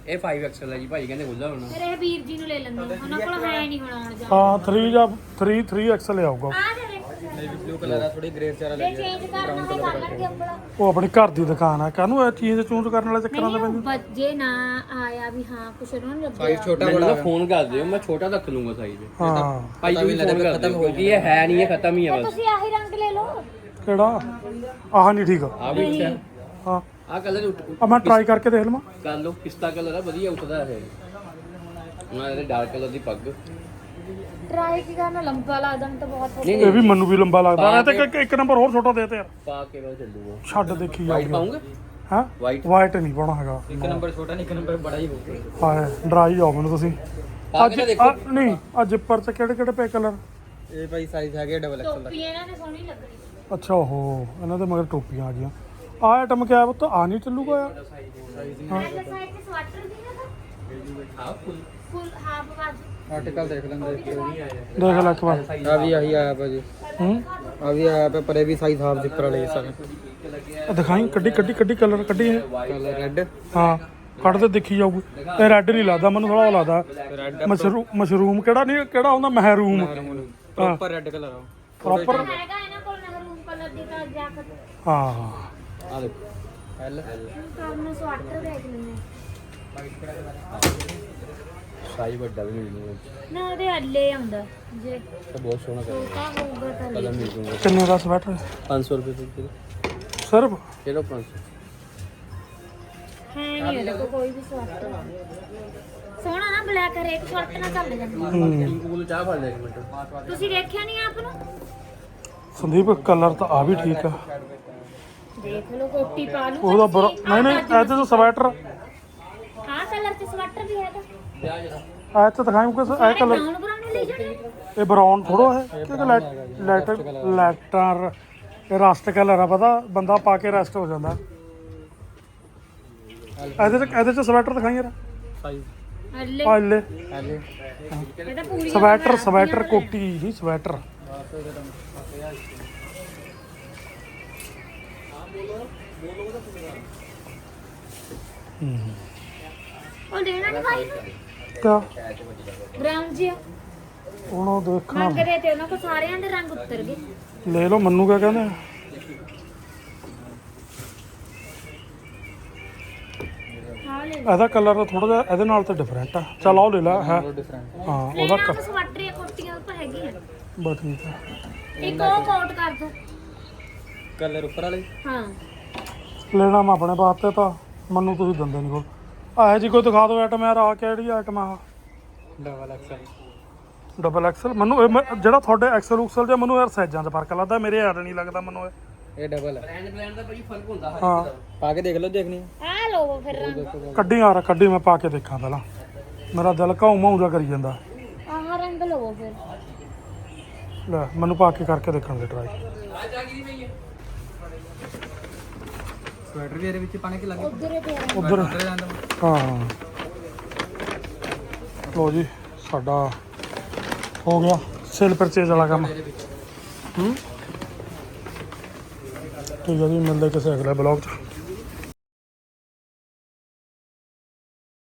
F: ਇਹ 5XL ਹੈ ਜੀ ਭਾਈ ਕਹਿੰਦੇ ਖੁੱਲਾ ਹੋਣਾ।
B: ਫਿਰ ਇਹ ਵੀਰ ਜੀ ਨੂੰ ਲੈ ਲੈਂਦੇ ਉਹਨਾਂ ਕੋਲ ਹੈ ਨਹੀਂ ਹੁਣ ਆਉਣ ਜਾ
A: ਹਾਂ 3 ਜਾਂ 3 XL ਆਊਗਾ
B: ਆ ਦੇ
E: ਨੇਵੀ ਬਲੂ ਕਲਰ ਆ ਥੋੜੀ ਗ੍ਰੇ ਚਾਰਾ
B: ਜੇ ਚੇਂਜ ਕਰਨਾ ਹੋਵੇ ਕਰ ਲੈਣਗੇ ਅੰਬਲਾ
A: ਉਹ ਆਪਣੀ ਘਰ ਦੀ ਦੁਕਾਨ ਆ ਕਾਹਨੂੰ ਇਹ ਚੀਜ਼ ਚੂਜ਼ ਕਰਨ ਵਾਲੇ ਚੱਕਰਾਂ ਦੇ ਪੈਂਦੇ
B: ਬੱਜੇ ਨਾ ਆਇਆ ਵੀ ਹਾਂ ਕੁਛ ਉਹਨਾਂ ਨੂੰ
E: ਸਾਈਜ਼
B: ਲੱਗਿਆ
E: ਛੋਟਾ
F: ਮੈਨੂੰ
E: ਬੜਾ
F: ਤਾਂ ਫੋਨ ਕਰ ਦਿਓ, ਮੈਂ ਛੋਟਾ ਰੱਖ ਲੂੰਗਾ ਸਾਈਜ਼।
A: ਹਾਂ
F: ਭਾਈ ਤੁਸੀਂ ਫੋਨ ਕਰ ਦਿਓ ਕਿਉਂਕਿ ਇਹ ਹੈ ਨਹੀਂ, ਇਹ ਖਤਮ ਹੀ ਹੈ ਬਸ।
B: ਤੁਸੀਂ ਆਹੀ ਰੰਗ ਲੈ ਲਓ
A: ਕਿਹੜਾ ਆਹ ਨਹੀਂ ਠੀਕ
F: ਆ ਵੀ ਉੱਠਿਆ,
A: ਹਾਂ
F: ਆ ਕਲਰ
A: ਆ ਮੈਂ ਟਰਾਈ ਕਰਕੇ ਦੇਖ ਲਵਾਂ
F: ਕਰ ਲਓ, ਪਿਸਤਾ ਕਲਰ ਆ ਵਧੀਆ ਉੱਠਦਾ ਹੈ। ਉਹਨਾਂ ਦੇ ਡਾਰਕ ਕਲਰ ਦੀ ਪੱਗ।
B: ਟਰਾਈ ਕੀ ਕਰਨਾ ਲੰਬਾ ਲੱਗਦਾ ਮੈਨੂੰ ਤਾਂ ਬਹੁਤ
A: ਇਹ ਵੀ ਮੈਨੂੰ ਵੀ ਲੰਬਾ ਲੱਗਦਾ ਇਹ ਤੇ ਇੱਕ ਨੰਬਰ ਹੋਰ ਛੋਟਾ ਦੇ ਤੇ ਯਾਰ
F: ਪਾ ਕੇ ਬਾਅਦ ਚੱਲੂਗਾ।
A: ਛੱਡ ਦੇਖੀ
F: ਵਾਈਟ
A: ਜਾਊਗਾ
F: ਪਾਉਂਗੇ?
A: ਹਾਂ
F: ਵਾਈਟ
A: ਵਾਈਟ ਨਹੀਂ ਪਾਉਣਾ ਹੈਗਾ
E: ਇੱਕ ਨੰਬਰ ਛੋਟਾ ਨਹੀਂ, ਇੱਕ ਨੰਬਰ ਬੜਾ ਹੀ ਹੋਊਗਾ।
A: ਹਾਂ ਡਰਾਈ ਜਾਓ ਮੈਨੂੰ ਤੁਸੀਂ
F: ਪਾ
A: ਅੱਜ
F: ਕੇ ਦੇਖੋ।
A: ਨਹੀਂ ਅੱਜ ਜਿੱਪਰ ਚ ਕਿਹੜੇ ਕਿਹੜੇ ਪਏ ਕਲਰ
E: ਇਹ ਭਾਈ ਸਾਈਜ਼ ਹੈਗੇ ਡਬਲ ਐਕਸਲ ਦਾ।
B: ਟੋਪੀ ਇਹਨਾਂ ਨੇ ਸੋਹਣੀ ਲੱਗਣੀ
A: ਅੱਛਾ ਉਹ ਇਹਨਾਂ ਦੇ ਮਗਰ ਟੋਪੀਆਂ ਆ ਗਈਆਂ ਆਹ ਆਈਟਮ ਕਿਆ ਪੁੱਤ ਆ ਨਹੀਂ ਚੱਲੂਗਾ ਯਾਰ
B: ਐਸਾ ਸਾਈਡ ਤੇ ਸਵੈਟਰ ਦੀ ਨਾ
F: ਆ ਫੁੱਲ
B: ਫੁੱਲ ਹਾਫ ਬਾਜੂ
E: ਆਰਟੀਕਲ ਦੇਖ ਲੈਂਦੇ
A: ਦੇਖ ਲੈ ਇੱਕ ਵਾਰ
E: ਆ ਵੀ ਆਹੀ ਆਇਆ ਭਾਜੀ,
A: ਹੂੰ
E: ਆ ਵੀ ਆਇਆ ਪਿਆ, ਪਰ ਇਹ ਵੀ ਸਾਈਜ਼ ਹਾਫ ਜ਼ਿਪਰ ਵਾਲੇ ਸਾਰੇ।
A: ਆਹ ਦਿਖਾਈ ਕੱਢੀ ਕਲਰ ਕੱਢੀ ਇਹ
E: ਕਲਰ ਰੈੱਡ,
A: ਹਾਂ ਕੱਢ ਤੇ ਦੇਖੀ ਜਾਊਗੀ ਇਹ ਰੈੱਡ ਨਹੀਂ ਲੱਗਦਾ ਮੈਨੂੰ ਥੋੜਾ ਲੱਗਦਾ
E: ਰੈੱਡ
A: ਮਸ਼ਰੂਮ ਕਿਹੜਾ ਨਹੀਂ ਕਿਹੜਾ ਹੁੰਦਾ ਮਹਿਰੂਮ
E: ਪ੍ਰੋਪਰ ਰੈੱਡ ਕਲਰ ਆ।
A: ਪ੍ਰੋਪਰ
B: ਹੈਗਾ ਇਹਨਾਂ ਕੋਲ ਮਹਿਰੂਮ ਕਲਰ ਦੀ ਤਾਂ ਜੈਕਟ
A: ਹਾਂ
F: ਆ ਦੇਖੋ
E: ਐਲ
B: ਕੰਮ ਨੂੰ ਸਵੈਟਰ ਦੇਖ ਲੈਂਦੇ
F: ਸਾਈਜ਼ ਵੱਡਾ ਵੀ ਮਿਲ ਜੂਗਾ,
B: ਨਾ ਉਹਦੇ ਅੱਲੇ ਆਉਂਦਾ ਜੇ
F: ਤਾਂ ਬਹੁਤ ਸੋਹਣਾ
B: ਛੋਟਾ ਹੋਊਗਾ ਤਾਂ ਲੈ
F: ਕਲਰ ਮਿਲ ਜੂਗਾ।
A: ਕਿੰਨੇ ਦਾ ਸਵੈਟਰ
F: 500 ਰੁਪਏ ਦੇ
A: ਸਿਰਫ
F: ਚਲੋ 500।
B: ਹੈ ਨਹੀਂ ਇਹਦੇ ਕੋਲ ਕੋਈ ਵੀ ਸਵੈਟਰ ਸੋਹਣਾ ਨਾ ਬਲੈਕ ਹਰੇਕ ਸ਼ਰਟ ਨਾਲ ਚੱਲ ਜਾਂਦਾ
F: ਕੋਲ ਚਾਹ ਫੜ ਲੈ ਇੱਕ ਮਿੰਟ।
B: ਤੁਸੀਂ ਦੇਖਿਆ ਨਹੀਂ ਆਪ ਨੂੰ
A: ਸੰਦੀਪ ਕਲਰ ਤਾਂ ਆ ਵੀ ਠੀਕ ਆ
B: ਦੇਖ ਲਓ ਕੋਟੀ ਪਾ ਲੂ
A: ਉਹਦਾ ਨਹੀਂ ਇਹ ਤੇ ਸਵੈਟਰ
B: ਹਾਂ ਕਲਰ ਤੇ ਸਵੈਟਰ ਵੀ ਹੈਗਾ
A: ਆ ਤੇ ਦਿਖਾਈ ਮੁਕੇ ਇਹ ਕਲਰ
B: ਬਰਾਊਨ ਬਰਾਊਨ ਲੈ ਜਾਣੇ
A: ਇਹ ਬਰਾਊਨ ਥੋੜੋ ਹੈ ਕਿ ਲੈਟਰ ਇਹ ਰਸਟ ਕਲਰ ਆ ਪਤਾ ਬੰਦਾ ਪਾ ਕੇ ਰੈਸਟ ਹੋ ਜਾਂਦਾ ਇਹਦੇ ਚ ਸਵੈਟਰ ਦਿਖਾਈ ਯਾਰ
E: ਸਾਈਜ਼
B: ਅੱਲੇ
A: ਆ ਲੈ
E: ਐਲ
B: ਇਹ ਤਾਂ ਪੂਰੀ
A: ਸਵੈਟਰ ਕੋਟੀ ਨਹੀਂ ਸਵੈਟਰ
B: ਉਹ ਲੈਣਾ ਨਹੀਂ ਭਾਈ
A: ਕਿਆ
B: ਬਰਾਊਨ ਜਿਹਾ
A: ਉਹਨੂੰ ਦੇਖਣਾ
B: ਮੰਗਦੇ ਤੇ ਉਹਨਾਂ ਕੋ ਸਾਰਿਆਂ ਦੇ ਰੰਗ ਉਤਰ ਗਏ
A: ਲੈ ਲਓ ਮੰਨੂ ਕਿਆ ਕਹਿੰਦੇ ਆ?
B: ਹਾਂ ਲੈ
A: ਇਹਦਾ ਕਲਰ ਥੋੜਾ ਜਿਹਾ ਇਹਦੇ ਨਾਲ ਤਾਂ ਡਿਫਰੈਂਟ ਆ ਚੱਲ ਆਓ ਲੈ ਲੈ ਹੈ
E: ਡਿਫਰੈਂਟ।
A: ਹਾਂ ਉਹਦਾ
B: ਲੈਣਾ ਤਾਂ ਸਵੈਟਰ ਜਾਂ ਕੋਟੀਆਂ ਤਾਂ ਹੈਗੀਆਂ
A: ਬਸ ਠੀਕ ਆ
B: ਇੱਕ ਉਹ ਕੋਟ ਕਰ ਦੋ
E: ਕਲਰ ਉੱਪਰ ਵਾਲੇ
B: ਹਾਂ
A: ਲੈਣਾ ਮੈਂ ਆਪਣੇ ਵਾਸਤੇ ਤਾਂ ਮੈਨੂੰ ਤੁਸੀਂ ਦਿੰਦੇ ਨਹੀਂ ਕੋਲ ਆਹ ਜੀ ਕੋਈ ਦਿਖਾ ਦਿਓ ਆਈਟਮ ਯਾਰ ਆ ਕਿਹੜੀ ਆਈਟਮ ਆ
E: ਡਬਲ ਐਕਸਲ
A: ਡਬਲ ਐਕਸਲ ਮੈਨੂੰ ਜਿਹੜਾ ਤੁਹਾਡੇ ਐਕਸਲ ਉਕਸਲ ਜਾਂ ਮੈਨੂੰ ਯਾਰ ਸਾਈਜ਼ਾਂ 'ਚ ਫਰਕ ਲੱਗਦਾ ਮੇਰੇ ਯਾਰ ਨਹੀਂ ਲੱਗਦਾ ਮੈਨੂੰ
E: ਇਹ ਡਬਲ ਹੈ।
F: ਬ੍ਰਾਂਡ ਦਾ ਭਾਈ ਫਰਕ ਹੁੰਦਾ ਹਰ
A: ਹਾਂ
E: ਪਾ ਕੇ ਦੇਖ ਲਓ, ਦੇਖਣੀ
B: ਆ ਲਓ ਫਿਰ ਰੰਗ
A: ਕੱਢੀ ਯਾਰ ਕੱਢੀ ਮੈਂ ਪਾ ਕੇ ਦੇਖਾਂ ਪਹਿਲਾਂ ਮੇਰਾ ਦਿਲ ਘਾਉ ਮਾਉ ਜਾ ਕਰੀ ਜਾਂਦਾ
B: ਆਹ ਰੰਗ ਲਵੋ ਫਿਰ
A: ਲੈ ਮੈਨੂੰ ਪਾ ਕੇ ਕਰਕੇ ਦੇਖਣ ਦੇ ਟਰਾਈ
E: ਸਵੈਟਰ ਵੀ ਇਹਦੇ ਵਿੱਚ ਪਾਣੇ ਕਿ ਲੱਗੇ
B: ਉਧਰ ਤੇ
A: ਉਧਰ
E: ਉੱਧਰ ਜਾਂਦਾ
A: ਹਾਂ ਲੋ ਜੀ ਸਾਡਾ ਹੋ ਗਿਆ ਸੇਲ ਪਰਚੇਜ ਵਾਲਾ ਕੰਮ ਠੀਕ ਹੈ ਜੀ ਮਿਲਦੇ ਕਿਸੇ ਅਗਲੇ ਬਲੌਗ 'ਚ।